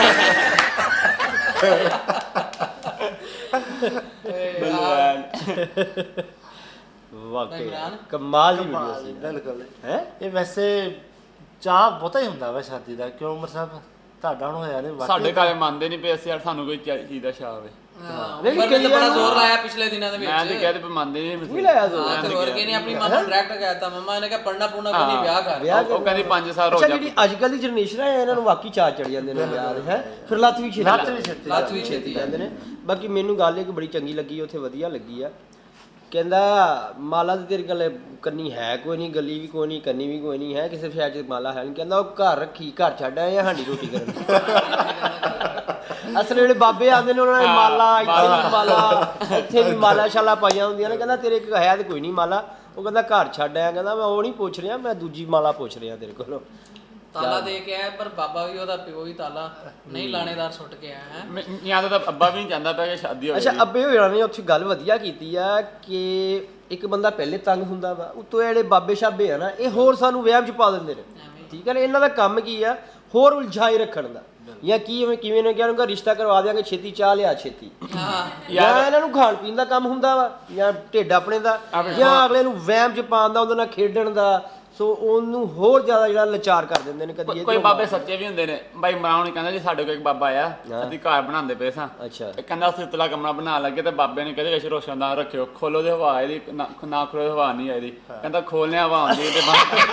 ਵਾਕਈ ਕਮਾਲ ਦੀ ਵੀਡੀਓ ਸੀ। ਬਿਲਕੁਲ ਹੈ ਇਹ ਵੈਸੇ ਚਾਹ ਬਹੁਤਾ ਹੀ ਹੁੰਦਾ ਵਾ ਸ਼ਾਦੀ ਦਾ। ਕਿਉਂ ਉਮਰ ਸਾਹਿਬ, ਤੁਹਾਡਾ ਹੁਣ ਹੋਇਆ ਨਹੀਂ? ਸਾਡੇ ਘਰੇ ਮੰਨਦੇ ਨਹੀਂ ਪਏ ਅਸੀਂ, ਯਾਰ ਸਾਨੂੰ ਕੋਈ ਚੀਜ਼ ਦਾ ਸ਼ਾਹ ਹੋਵੇ। ਨਹੀਂ ਕਿ ਬੜਾ ਜ਼ੋਰ ਲਾਇਆ ਪਿਛਲੇ ਦਿਨਾਂ ਦੇ ਵਿੱਚ। ਮੈਂ ਤੇ ਕਹਦੇ ਮੰਨਦੇ ਨਹੀਂ ਵੀ ਲਾਇਆ ਜ਼ੋਰ। ਹਾਂ ਤੇ ਹੋਰ ਕੀ ਨਹੀਂ, ਆਪਣੀ ਮਾਂ ਨੂੰ ਡਾਇਰੈਕਟ ਕਹਿਤਾ, ਮੰਮਾ ਨੇ ਕਿਹਾ ਪੜਨਾ ਪੂਣਾ ਕੋਈ ਨਹੀਂ, ਵਿਆਹ ਕਰ। ਉਹ ਕਹਿੰਦੀ ਪੰਜ ਸਾਲ ਹੋ ਅੱਛਾ, ਜਾ। ਜਿਹੜੀ ਅੱਜ ਕੱਲ ਦੀ ਜਨਰੇਸ਼ਨ ਹੈ, ਇਹਨਾਂ ਨੂੰ ਵਾਕਈ ਚਾਹ ਚੜ ਜਾਂਦੇ ਨੇ ਵਿਆਹ ਦੇ, ਹੈ ਫਿਰ ਲੱਤ ਵੀ ਛੇਤੀ ਲੱਤ ਵੀ ਛੇਤੀ ਲੱਤ ਵੀ ਛੇਤੀ ਜਾਂਦੇ ਨੇ। ਬਾਕੀ ਮੈਨੂੰ ਗੱਲ ਇੱਕ ਬੜੀ ਚੰਗੀ ਲੱਗੀ, ਉੱਥੇ ਵਧੀਆ ਲੱਗੀ ਆ ਕਹਿੰਦਾ ਮਾਲਾ ਤੇ ਤੇਰੀ ਗੱਲ ਕੰਨੀ ਹੈ ਕੋਈ ਨਹੀਂ, ਗੱਲੀ ਵੀ ਕੋਈ ਨਹੀਂ, ਕੰਨੀ ਵੀ ਕੋਈ ਨਹੀਂ ਹੈ, ਕਿਸੇ ਸ਼ਹਿਰ 'ਚ ਮਾਲਾ ਹੈ ਨਹੀਂ। ਕਹਿੰਦਾ ਉਹ ਘਰ ਰੱਖੀ, ਘਰ ਛੱਡ ਆਏ ਆ ਹਾਂਡੀ ਰੋਟੀ ਕਰਨ। ਅਸਲ ਜਿਹੜੇ ਬਾਬੇ ਆਉਂਦੇ ਨੇ ਉਹਨਾਂ ਨੇ ਮਾਲਾ, ਇੱਥੇ ਵੀ ਮਾਲਾ, ਇੱਥੇ ਵੀ ਮਾਲਾ ਸ਼ਾਲਾ ਪਾਈਆਂ ਹੁੰਦੀਆਂ ਨੇ। ਕਹਿੰਦਾ ਤੇਰੇ ਇੱਕ ਹੈ ਤੇ ਕੋਈ ਨਹੀਂ ਮਾਲਾ। ਉਹ ਕਹਿੰਦਾ ਘਰ ਛੱਡ ਆਇਆ। ਕਹਿੰਦਾ ਮੈਂ ਉਹ ਨਹੀਂ ਪੁੱਛ ਰਿਹਾ, ਮੈਂ ਦੂਜੀ ਮਾਲਾ ਪੁੱਛ ਰਿਹਾ ਤੇਰੇ ਕੋਲੋਂ। ਤਾਲਾ ਦੇ ਕੇ ਆਇਆ, ਪਰ ਬਾਬਾ ਵੀ ਉਹਦਾ ਪਿਓ ਹੀ ਤਾਲਾ ਨਹੀਂ ਲਾਣੇਦਾਰ ਸੁੱਟ ਕੇ ਆਇਆ ਹੈ। ਜਾਂ ਤਾਂ ਅੱਬਾ ਵੀ ਨਹੀਂ ਚਾਹੁੰਦਾ ਪਿਆ ਕਿ ਸ਼ਾਦੀ ਹੋਵੇ। ਅੱਛਾ, ਅੱਬੇ ਹੋਣਾ ਨੇ ਉੱਥੇ ਗੱਲ ਵਧੀਆ ਕੀਤੀ ਆ ਕਿ ਇੱਕ ਬੰਦਾ ਪਹਿਲੇ ਤੰਗ ਹੁੰਦਾ ਵਾ, ਉਤੋਂ ਜਿਹੜੇ ਬਾਬੇ ਸ਼ਾਬੇ ਆ ਨਾ, ਇਹ ਹੋਰ ਸਾਨੂੰ ਵਹਿਮ 'ਚ ਪਾ ਦਿੰਦੇ ਨੇ। ਠੀਕ ਹੈ ਨਾ, ਇਹਨਾਂ ਦਾ ਕੰਮ ਕੀ ਆ, ਹੋਰ ਉਲਝਾਈ ਰੱਖਣ ਦਾ। ਜਾਂ ਕੀ ਕਿਵੇਂ ਨੇ ਕਿਹਾ ਉਹਨੂੰ ਰਿਸ਼ਤਾ ਕਰਵਾ ਦਿਆਂਗੇ, ਛੇਤੀ ਚਾਹ ਲਿਆ ਛੇਤੀ। ਜਾਂ ਇਹਨਾਂ ਨੂੰ ਖਾਣ ਪੀਣ ਦਾ ਕੰਮ ਹੁੰਦਾ ਵਾ, ਜਾਂ ਢਿੱਡ ਆਪਣੇ ਦਾ, ਜਾਂ ਅਗਲੇ ਨੂੰ ਵਹਿਮ 'ਚ ਪਾਉਣ ਦਾ, ਉਹਦੇ ਨਾਲ ਖੇਡਣ ਦਾ। ਸੋ ਉਹਨੂੰ ਹੋਰ ਜ਼ਿਆਦਾ ਜਿਹੜਾ ਲਾਚਾਰ ਕਰ ਦਿੰਦੇ ਨੇ। ਕਦੀ ਕੋਈ ਬਾਬੇ ਸੱਚੇ ਵੀ ਹੁੰਦੇ ਨੇ। ਬਾਈ ਮਰਾਉਣ ਕਹਿੰਦਾ ਜੀ ਸਾਡੇ ਕੋਲ ਇੱਕ ਬਾਬਾ ਆਇਆ, ਅਸੀਂ ਘਰ ਬਣਾਉਂਦੇ ਪਏ ਸਾਂ। ਅੱਛਾ। ਕਹਿੰਦਾ ਅਸੀਂ ਉਤਲਾ ਕਮਰਾ ਬਣਾ ਲੱਗੇ ਤੇ ਬਾਬੇ ਨੇ ਕਹਿੰਦੇ ਵਿੱਚ ਰੋਸ਼ਨਦਾਨ ਰੱਖਿਓ, ਖੋਲੋ ਤੇ ਹਵਾ ਇਹਦੀ ਨਾ ਨਾ ਖੋਲੋ ਹਵਾ ਨਹੀਂ ਆਈਦੀ। ਕਹਿੰਦਾ ਖੋਲਨੇ ਹਵਾ ਆਉਂਦੀ ਤੇ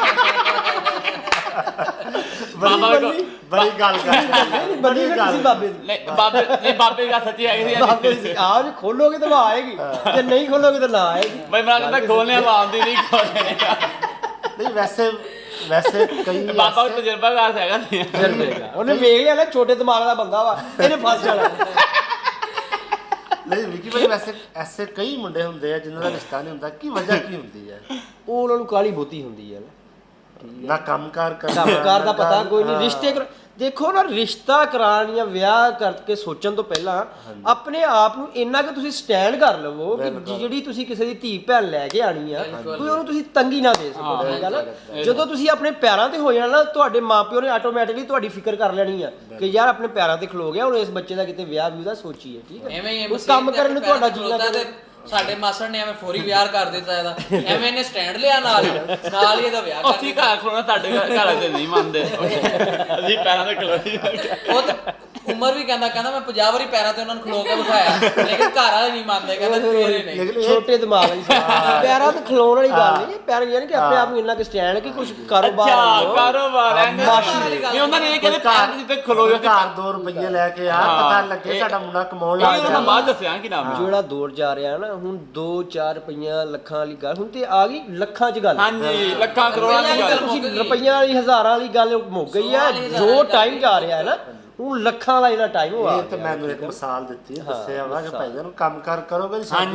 ਬਾਬਾ ਬੜੀ ਗੱਲ ਕਰ ਬੜੀ ਗੱਲ ਬਾਬੇ ਦੀ। ਨਹੀਂ ਬਾਬੇ ਨਹੀਂ ਬਾਬੇ ਦੀ ਗੱਲ ਸੱਚੀ ਹੈਗੀ ਸੀ। ਆਹ ਖੋਲੋਗੇ ਤਾਂ ਹਵਾ ਆਏਗੀ, ਜੇ ਨਹੀਂ ਖੋਲੋਗੇ ਤਾਂ ਨਾ ਆਏਗੀ। ਬਾਈ ਮਰਾ ਕਹਿੰਦਾ ਖੋਲਨੇ ਹਵਾ ਆਉਂਦੀ ਨਹੀਂ, ਖੋਲਨੇ ਨਹੀਂ। ਵੈਸੇ ਵੈਸੇ ਕਈ ਬਾਬਾ ਦਾ ਤਜਰਬਾਕਾਰ ਹੈਗਾ ਨਹੀਂ, ਉਹਨੇ ਵੇਖ ਲਿਆ ਨਾ ਛੋਟੇ ਦਿਮਾਗ ਦਾ ਬੰਦਾ ਵਾ, ਇਹਨੇ ਫਸ ਜਾਣਾ। ਨਹੀਂ ਵਿੱਕੀ ਭਾਈ, ਵੈਸੇ ਐਸੇ ਕਈ ਮੁੰਡੇ ਹੁੰਦੇ ਆ ਜਿਨ੍ਹਾਂ ਦਾ ਰਿਸ਼ਤਾ ਨਹੀਂ ਹੁੰਦਾ। ਕੀ ਵਜ੍ਹਾ ਕੀ ਹੁੰਦੀ ਹੈ? ਉਹ ਉਹਨਾਂ ਨੂੰ ਕਾਲੀ ਬਹੁਤੀ ਹੁੰਦੀ ਹੈ ਨਾ, ਨਾ ਕੰਮਕਾਰ ਕਰ ਕੰਮਕਾਰ ਦਾ ਪਤਾ ਕੋਈ ਨਹੀਂ। ਰਿਸ਼ਤੇ ਦੇਖੋ ਨਾ, ਰਿਸ਼ਤਾ ਕਰਾਉਣ ਜਾਂ ਵਿਆਹ ਕਰਕੇ ਸੋਚਣ ਤੋਂ ਪਹਿਲਾਂ ਆਪਣੇ ਆਪ ਨੂੰ ਇੰਨਾ ਕਿ ਤੁਸੀਂ ਸਟੈਂਡ ਕਰ ਲਵੋ ਕਿ ਜਿਹੜੀ ਤੁਸੀਂ ਕਿਸੇ ਦੀ ਧੀ ਭੈਣ ਲੈ ਕੇ ਆਣੀ ਆ, ਕੋਈ ਉਹਨੂੰ ਤੁਸੀਂ ਤੰਗੀ ਨਾ ਦੇ ਸਕੋ। ਗੱਲ ਜਦੋਂ ਤੁਸੀਂ ਆਪਣੇ ਪੈਰਾਂ ਤੇ ਹੋ ਜਾਣਾ ਨਾ, ਤੁਹਾਡੇ ਮਾਪਿਓ ਨੇ ਆਟੋਮੈਟਿਕਲੀ ਤੁਹਾਡੀ ਫਿਕਰ ਕਰ ਲੈਣੀ ਆ ਕਿ ਯਾਰ ਆਪਣੇ ਪੈਰਾਂ ਤੇ ਖਲੋ ਗਿਆ, ਹੁਣ ਇਸ ਬੱਚੇ ਦਾ ਕਿਤੇ ਵਿਆਹ ਵੀ ਉਹਦਾ ਸੋਚੀਏ। ਠੀਕ ਹੈ, ਉਹ ਕੰਮ ਕਰਨ ਨੂੰ ਤੁਹਾਡਾ ਜੀ ਲੱਗਦਾ। ਸਾਡੇ ਮਾਸੜ ਨੇ ਐਵੇਂ ਫੌਰੀ ਵਿਆਹ ਕਰ ਦਿੱਤਾ ਇਹਦਾ, ਐਵੇਂ ਇਹਨੇ ਸਟੈਂਡ ਲਿਆ ਨਾਲ ਨਾਲ ਹੀ ਇਹਦਾ ਵਿਆਹ ਕਰ ਦਿੱਤਾ। ਅਸੀਂ ਘਰ ਖਲੋਣਾ, ਸਾਡੇ ਘਰ ਦੇ ਨਹੀਂ ਮੰਨਦੇ, ਅਸੀਂ ਪੈਰਾਂ ਤੇ ਖਲੋਈ। ਉਹ ਤਾਂ ਉਮਰ ਵੀ ਕਹਿੰਦਾ ਕਹਿੰਦਾ ਮੈਂ ਪੰਜਾਹ ਵਾਰੀ ਪੈਰਾਂ ਤੇ ਉਹਨਾਂ ਨੂੰ ਖਲੋ ਕੇ ਬਿਠਾਇਆ, ਲੇਕਿਨ ਘਰ ਵਾਲੇ ਨਹੀਂ ਮੰਨਦੇ, ਕਹਿੰਦੇ ਤੇਰੇ ਨਹੀਂ। ਛੋਟੇ ਦਿਮਾਗ ਵਾਲੀ ਪੈਰਾਂ ਤੇ ਖਲੋਣ ਵਾਲੀ ਗੱਲ ਨਹੀਂ, ਪੈਰ ਯਾਨੀ ਕਿ ਆਪਣੇ ਆਪ ਨੂੰ ਇੰਨਾ ਕਿ ਸਟੈਂਡ ਕਿ ਕੁਝ ਕਾਰੋਬਾਰ ਕਾਰੋਬਾਰ ਨਹੀਂ। ਉਹਨਾਂ ਨੇ ਇਹ ਕਹਿੰਦੇ ਪੈਰ ਜਿੱਤੇ ਖਲੋ ਜਾ, ਘਰ ਦੋ ਰੁਪਏ ਲੈ ਕੇ ਆ, ਪਤਾ ਲੱਗੇ ਸਾਡਾ ਮੁੰਡਾ ਕਮਾਉਣ ਲੱਗ ਗਿਆ। ਉਹਨਾਂ ਬਾਅਦ ਦੱਸਿਆ ਕਿ ਨਾਮ ਜਿਹੜਾ ਦੌਰ ਜਾ ਰਿਹਾ ਨਾ ਹੁਣ, ਦੋ ਚਾਰ ਰੁਪਈਆ ਲੱਖਾਂ ਵਾਲੀ ਗੱਲ ਹੁਣ ਤੇ ਆ ਗਈ ਲੱਖਾਂ 'ਚ ਗੱਲ। ਹਾਂਜੀ, ਲੱਖਾਂ ਕਰੋੜਾਂ ਦੀ ਗੱਲ। ਤੁਸੀਂ ਰੁਪਈਆਂ ਵਾਲੀ ਹਜ਼ਾਰਾਂ ਵਾਲੀ ਗੱਲ ਮੁੱਕ ਗਈ ਆ। ਜੋ ਟਾਈਮ ਜਾ ਰਿਹਾ ਹੈ ਨਾ, ਹੁਣ ਲੱਖਾਂ ਦਾ ਜਿਹੜਾ ਟਾਈਮ ਹੋ ਆ। ਇਹ ਤਾਂ ਮੈਨੂੰ ਇੱਕ ਮਿਸਾਲ ਦਿੱਤੀ, ਦੱਸਿਆ ਵਾ ਕਿ ਭਾਈ ਜਾਨ ਕੰਮ ਕਰ ਕਰੋਗੇ ਹਾਂਜੀ।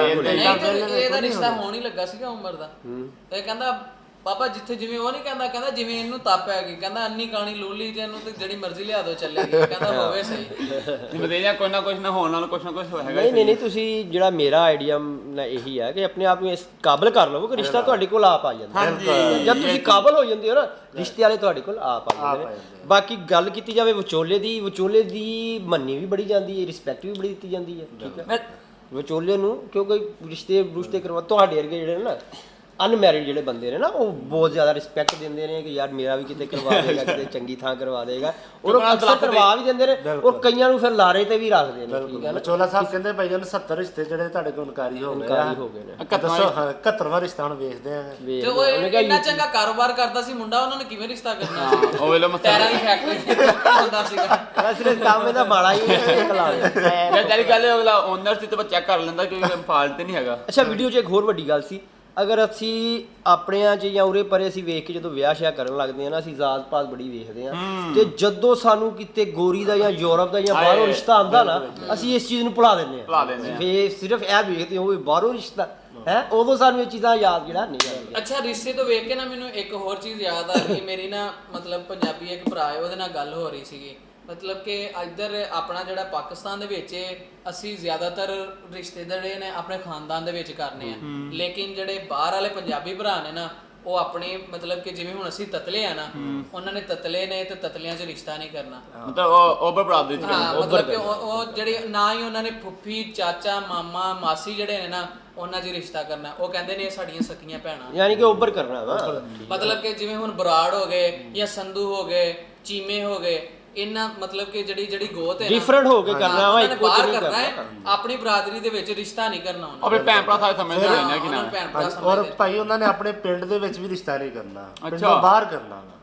ਇਹਦਾ ਰਿਸ਼ਤਾ ਹੋਣ ਹੀ ਲੱਗਾ ਸੀਗਾ ਉਮਰ ਦਾ, ਤੇ ਕਹਿੰਦਾ ਬਾਬਾ ਜਿੱਥੇ ਜਿਵੇਂ ਉਹ ਨਹੀਂ ਕਹਿੰਦਾ, ਕਹਿੰਦਾ ਜਿਵੇਂ ਇਹਨੂੰ ਤਪ ਹੈਗੀ, ਕਹਿੰਦਾ ਅੰਨੀ ਕਾਣੀ ਲੋਲੀ ਤੇ ਇਹਨੂੰ ਤੇ ਜਿਹੜੀ ਮਰਜ਼ੀ ਲਿਆ ਦੋ ਚੱਲੇਗੀ, ਕਹਿੰਦਾ ਹੋਵੇ ਸਹੀ। ਬਤੇਜਾ ਕੋਈ ਨਾ ਕੁਝ ਨਾ ਹੋਣ ਨਾਲ ਕੁਝ ਨਾ ਕੁਝ ਹੋਏਗਾ। ਨਹੀਂ ਨਹੀਂ ਨਹੀਂ, ਤੁਸੀਂ ਜਿਹੜਾ ਮੇਰਾ ਆਈਡੀਆ ਨਾ ਇਹੀ ਹੈ ਕਿ ਆਪਣੇ ਆਪ ਨੂੰ ਇਸ ਕਾਬਲ ਕਰ ਲਵੋ ਕਿ ਰਿਸ਼ਤਾ ਤੁਹਾਡੇ ਕੋਲ ਆਪ ਆ ਜਾਂਦਾ। ਜਦ ਤੁਸੀਂ ਕਾਬਲ ਹੋ ਜਾਂਦੇ ਹੋ ਨਾ, ਰਿਸ਼ਤੇ ਵਾਲੇ ਤੁਹਾਡੇ ਕੋਲ ਆਪ ਆ ਜਾਂਦੇ ਨੇ। ਬਾਕੀ ਗੱਲ ਕੀਤੀ ਜਾਵੇ ਵਿਚੋਲੇ ਦੀ, ਵਿਚੋਲੇ ਦੀ ਮੰਨੀ ਵੀ ਬੜੀ ਜਾਂਦੀ ਹੈ, ਰਿਸਪੈਕਟ ਵੀ ਬੜੀ ਦਿੱਤੀ ਜਾਂਦੀ ਹੈ। ਠੀਕ ਹੈ, ਵਿਚੋਲੇ ਨੂੰ ਕਿਉਂਕਿ ਰਿਸ਼ਤੇ ਰੁਸ਼ਤੇ ਕਰਵਾ, ਤੁਹਾਡੇ ਵਰਗੇ ਜਿਹੜੇ ਨਾ ਅਨਮੈਰਿਡ ਜਿਹੜੇ ਬੰਦੇ ਨੇ ਨਾ, ਉਹ ਬਹੁਤ ਜ਼ਿਆਦਾ ਰਿਸਪੈਕਟ ਦਿੰਦੇ ਨੇ ਕਿ ਯਾਰ ਮੇਰਾ ਵੀ ਕਿਤੇ ਕਰਵਾ ਦੇਗਾ, ਕਿਤੇ ਚੰਗੀ ਥਾਂ ਕਰਵਾ ਦੇਗਾ। ਔਰ ਉਹ ਅਕਸਰ ਕਰਵਾ ਵੀ ਦਿੰਦੇ ਨੇ, ਔਰ ਕਈਆਂ ਨੂੰ ਫਿਰ ਲਾਰੇ ਤੇ ਵੀ ਰੱਖਦੇ ਨੇ। ਠੀਕ ਹੈ ਨਾ, ਚੋਲਾ ਸਾਹਿਬ ਕਹਿੰਦੇ ਭਾਈ ਜਾਨ ਸੱਤਰ ਰਿਸ਼ਤੇ ਜਿਹੜੇ ਤੁਹਾਡੇ ਕੋਲ ਨਕਾਰੀ ਹੋ ਗਏ ਹੋ ਗਏ ਨੇ। ਦੱਸੋ ਇਕਹੱਤਰਵਾਂ ਰਿਸ਼ਤਾ ਹੁਣ ਵੇਖਦੇ ਆ। ਤੇ ਉਹ ਇੰਨਾ ਚੰਗਾ ਕਾਰੋਬਾਰ ਕਰਦਾ ਸੀ ਮੁੰਡਾ, ਉਹਨਾਂ ਨੇ ਕਿਵੇਂ ਰਿਸ਼ਤਾ ਕਰਨਾ ਸੀ? ਉਹ ਵੇਲੇ ਟਾਇਰਾਂ ਦੀ ਫੈਕਟਰੀ ਹੁੰਦਾ ਸੀਗਾ। ਸਿਰਫ ਕੰਮ ਇਹਦਾ ਮਾੜਾ ਹੀ ਕਲਾ ਮੈਂ ਤੇਰੀ ਗੱਲ ਅਗਲਾ ਓਨਰ ਸੀ ਤੇ ਚੈੱਕ ਕਰ ਲੈਂਦਾ ਕਿ ਫਾਲਟ ਨਹੀਂ ਹੈਗਾ। ਅੱਛਾ, ਵੀਡੀਓ 'ਚ ਇੱਕ ਹੋਰ ਵੱਡੀ ਗੱਲ ਸੀ, ਅਗਰ ਅਸੀਂ ਆਪਣਿਆਂ 'ਚ ਜਾਂ ਉਰੇ ਪਰੇ ਅਸੀਂ ਵੇਖ ਕੇ ਜਦੋਂ ਵਿਆਹ ਸ਼ਿਆ ਕਰਨ ਲੱਗਦੇ ਹਾਂ ਨਾ, ਅਸੀਂ ਜ਼ਾਤ ਪਾਤ ਬੜੀ ਵੇਖਦੇ ਹਾਂ, ਤੇ ਜਦੋਂ ਸਾਨੂੰ ਕਿਤੇ ਗੋਰੀ ਦਾ ਜਾਂ ਯੂਰਪ ਦਾ ਜਾਂ ਬਾਹਰੋਂ ਰਿਸ਼ਤਾ ਆਉਂਦਾ ਨਾ, ਅਸੀਂ ਇਸ ਚੀਜ਼ ਨੂੰ ਭੁਲਾ ਦਿੰਦੇ ਹਾਂ। ਫੇਰ ਸਿਰਫ ਇਹ ਵੇਖਦੇ ਹੋ ਬਾਹਰੋਂ ਰਿਸ਼ਤਾ ਹੈ, ਉਦੋਂ ਸਾਨੂੰ ਇਹ ਚੀਜ਼ਾਂ ਯਾਦ ਜਿਹੜਾ ਨਹੀਂ ਆਉਂਦੀਆਂ। ਅੱਛਾ, ਰਿਸ਼ਤੇ ਤੋਂ ਵੇਖ ਕੇ ਨਾ ਮੈਨੂੰ ਇੱਕ ਹੋਰ ਚੀਜ਼ ਯਾਦ ਆ ਰਹੀ। ਮੇਰੀ ਨਾ ਮਤਲਬ ਪੰਜਾਬੀ ਇੱਕ ਭਰਾ ਹੈ, ਉਹਦੇ ਨਾਲ ਗੱਲ ਹੋ ਰਹੀ ਸੀਗੀ। ਮਤਲਬ ਕਿ ਇੱਧਰ ਆਪਣਾ ਜਿਹੜਾ ਪਾਕਿਸਤਾਨ ਦੇ ਵਿੱਚ ਅਸੀਂ ਜ਼ਿਆਦਾਤਰ ਰਿਸ਼ਤੇ ਜਿਹੜੇ ਨੇ ਆਪਣੇ ਖਾਨਦਾਨ ਦੇ ਵਿੱਚ ਕਰਨੇ ਆ, ਲੇਕਿਨ ਜਿਹੜੇ ਬਾਹਰ ਵਾਲੇ ਪੰਜਾਬੀ ਭਰਾ ਨੇ ਨਾ, ਉਹ ਆਪਣੇ ਮਤਲਬ ਕਿ ਜਿਵੇਂ ਹੁਣ ਅਸੀਂ ਤਤਲੇ ਆ ਨਾ, ਉਹਨਾਂ ਨੇ ਤਤਲੇ ਨੇ ਤੇ ਤਤਲਿਆਂ 'ਚ ਰਿਸ਼ਤਾ ਨਹੀਂ ਕਰਨਾ, ਮਤਲਬ ਉਹ ਓਵਰ ਬਰਾਦਰੀ ਚ ਹਾਂ, ਮਤਲਬ ਕਿ ਉਹ ਜਿਹੜੇ ਨਾ ਹੀ ਉਹਨਾਂ ਨੇ ਫੁੱਫੀ ਚਾਚਾ ਮਾਮਾ ਮਾਸੀ ਜਿਹੜੇ ਨੇ ਨਾ, ਉਹਨਾਂ 'ਚ ਰਿਸ਼ਤਾ ਕਰਨਾ। ਉਹ ਕਹਿੰਦੇ ਨੇ ਇਹ ਸਾਡੀਆਂ ਸਕੀਆਂ ਭੈਣਾਂ, ਯਾਨੀ ਕਿ ਉੱਭਰ ਕਰਨਾ ਵਾ। ਮਤਲਬ ਕਿ ਜਿਵੇਂ ਹੁਣ ਬਰਾੜ ਹੋ ਗਏ ਜਾਂ ਸੰਧੂ ਹੋ ਗਏ, ਚੀਮੇ ਹੋ ਗਏ, ਇਹਨਾਂ ਮਤਲਬ ਕਿ ਜਿਹੜੀ ਜਿਹੜੀ ਗੋਤ ਹੈ ਡਿਫਰੈਂਟ ਹੋ ਕੇ ਕਰਨਾ ਵਾ, ਇੱਕੋ ਬਾਹਰ ਕਰਨਾ ਹੈ, ਆਪਣੀ ਬਰਾਦਰੀ ਦੇ ਵਿੱਚ ਰਿਸ਼ਤਾ ਨਹੀਂ ਕਰਨਾ ਉਹਨਾਂ। ਆਪਣੇ ਭੈਣ ਭਰਾ ਸਾਰੇ ਸਮਝਦੇ ਨੇ ਨਾ ਕਿ ਨਾ। ਔਰ ਭਾਈ ਉਹਨਾਂ ਨੇ ਆਪਣੇ ਪਿੰਡ ਦੇ ਵਿੱਚ ਵੀ ਰਿਸ਼ਤਾ ਨਹੀਂ ਕਰਨਾ, ਪਿੰਡੋਂ ਬਾਹਰ ਕਰਨਾ ਵਾ।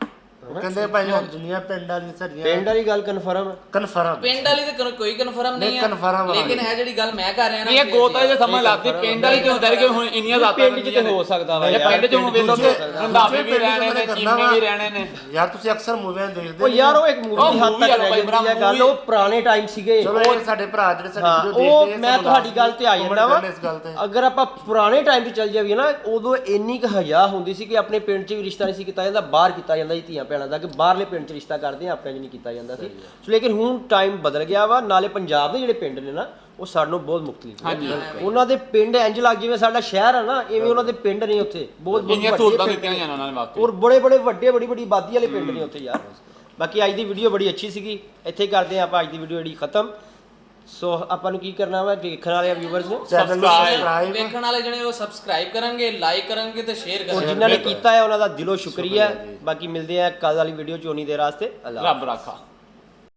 ਕਹਿੰਦੇ ਭਾਈ ਹੁਣ ਦੁਨੀਆ ਪਿੰਡ ਵਾਲੀ ਸਰੀਆਂ ਪਿੰਡ ਵਾਲੀ ਗੱਲ ਕਨਫਰਮ ਹੈ ਕਨਫਰਮ ਪਿੰਡ ਵਾਲੀ ਤੇ ਕੋਈ- ਕੋਈ ਕਨਫਰਮ ਨਹੀਂ ਨਹੀਂ, ਹੈ confirm ਆ। ਲੇਕਿਨ ਹੈ ਜਿਹੜੀ ਗੱਲ ਮੈਂ ਕਰ ਰਿਹਾ ਨਾ ਇਹ ਗੋਤਾ ਜੇ ਸਮਝ ਲੱਗਦੀ ਪਿੰਡ ਵਾਲੀ ਕਿਉਂ ਹੁੰਦਾ ਕਿ ਹੁਣ ਇੰਨੀਆਂ ਜ਼ਿਆਦਾ ਪਿੰਡ 'ਚ ਤੇ ਹੋ ਸਕਦਾ ਵਾ ਯਾਰ ਪਿੰਡ 'ਚ ਹੁਣ ਵੇਲੋ ਤੇ ਰੰਧਾਵੇ ਵੀ ਰਹਿਣੇ ਨੇ ਚੀਮੇ ਵੀ ਰਹਿਣੇ ਨੇ ਯਾਰ ਤੁਸੀਂ ਅਕਸਰ ਮੂਵੀਆਂ ਦੇਖਦੇ ਉਹ ਯਾਰ ਉਹ ਇੱਕ ਮੂਵੀ ਉਹ ਦੀ ਹੱਦ movie ਤੱਕ ਆ ਰਹਿ ਭਾਈ ਜਾਂਦੀ ਹੈ ਗੱਲ ਉਹ ਪੁਰਾਣੇ ਟਾਈਮ ਸੀਗੇ ਚਲੋ ਇਹ ਸਾਡੇ ਭਰਾ ਜਿਹੜੇ ਸਾਡੀ ਹਾਂ ਵੀਡੀਓ ਉਹ ਦੇਖਦੇ ਆ, ਮੈਂ ਸਾਨੂੰ ਤੁਹਾਡੀ ਦੱਸ ਗੱਲ ਤੇ ਆ ਦਿਓ, ਜਾਂਦਾ ਵਾ comment ਇਸ ਗੱਲ ਤੇ। ਅਗਰ ਆਪਾਂ ਪੁਰਾਣੇ ਟਾਈਮ 'ਚ ਚੱਲ ਜਾਈਏ ਨਾ ਉਦੋਂ ਇੰਨੀ ਕੁ ਹਯਾ ਹੁੰਦੀ ਸੀ ਕਿ ਆਪਣੇ ਪਿੰਡ 'ਚ ਵੀ ਰਿਸ਼ਤਾ ਨਹੀਂ ਸੀ ਕੀਤਾ ਜਾਂਦਾ ਬਾਹਰ ਕੀਤਾ ਜਾਂਦਾ ਸੀ ਧੀਆਂ ਭੈਣਾਂ ਦਾ ਕਿ ਬਾਹਰਲੇ ਪਿੰਡ 'ਚ ਰਿਸ਼ਤਾ ਕਰਦੇ ਆ ਆਪਣੇ 'ਚ ਨਹੀਂ ਕੀਤਾ ਜਾਂਦਾ ਸੀ ਸੋ ਲੇਕਿਨ ਹੁਣ ਟਾਈਮ ਬਦਲ ਗਿਆ ਵਾ ਨਾਲੇ ਪੰਜਾਬ ਦੇ ਜਿਹੜੇ ਪਿੰਡ ਨੇ ਨਾ ਉਹ ਸਾਨੂੰ ਬਹੁਤ ਮੁਖਤਲਿਫ ਨੇ ਉਹਨਾਂ ਦੇ ਪਿੰਡ ਇੰਜ ਲੱਗ ਜਿਵੇਂ ਸਾਡਾ ਸ਼ਹਿਰ ਆ ਨਾ ਇਵੇਂ ਉਹਨਾਂ ਦੇ ਪਿੰਡ ਨੇ ਉੱਥੇ ਬਹੁਤ ਬਹੁਤ ਇੰਨੀਆਂ ਵੱਡੇ ਸਹੂਲਤਾਂ ਪਿੰਡ ਦਿੱਤੀਆਂ ਨੇ। ਜਾਣ ਉਹਨਾਂ ਨੇ ਵਾਕਈ ਔਰ ਬੜੇ ਬੜੇ ਵੱਡੇ ਬੜੀ ਬੜੀ ਆਬਾਦੀ ਵਾਲੇ ਪਿੰਡ ਨੇ ਉੱਥੇ ਯਾਰ ਬਾਕੀ ਅੱਜ ਦੀ ਵੀਡੀਓ ਬੜੀ ਅੱਛੀ ਸੀਗੀ ਇੱਥੇ ਹੀ ਕਰਦੇ ਆ ਆਪਾਂ ਅੱਜ ਦੀ ਵੀਡੀਓ ਜਿਹੜੀ ਖਤਮ ਸੋ ਆਪਾਂ ਨੂੰ ਕੀ ਕਰਨਾ ਵਾ ਦੇਖਣ ਵਾਲੇ ਵਿਊਅਰਸ ਨੇ ਚੈਨਲ ਨੂੰ ਸਬਸਕ੍ਰਾਈਬ ਵੇਖਣ ਵਾਲੇ ਜਿਹੜੇ ਉਹ ਸਬਸਕ੍ਰਾਈਬ ਕਰਨਗੇ ਲਾਈਕ ਕਰਨਗੇ ਤੇ ਸ਼ੇਅਰ ਔਰ ਕਰਨਗੇ ਜਿਨ੍ਹਾਂ ਨੇ ਕੀਤਾ ਹੈ ਉਹਨਾਂ ਦਾ ਦਿਲੋਂ ਸ਼ੁਕਰੀਆ ਬਾਕੀ ਮਿਲਦੇ ਆ ਕੱਲ ਵਾਲੀ ਵੀਡੀਓ ਚ ਉਨੀ ਦੇਰ ਵਾਸਤੇ ਅੱਲਾ ਰੱਬ ਰਾਖਾ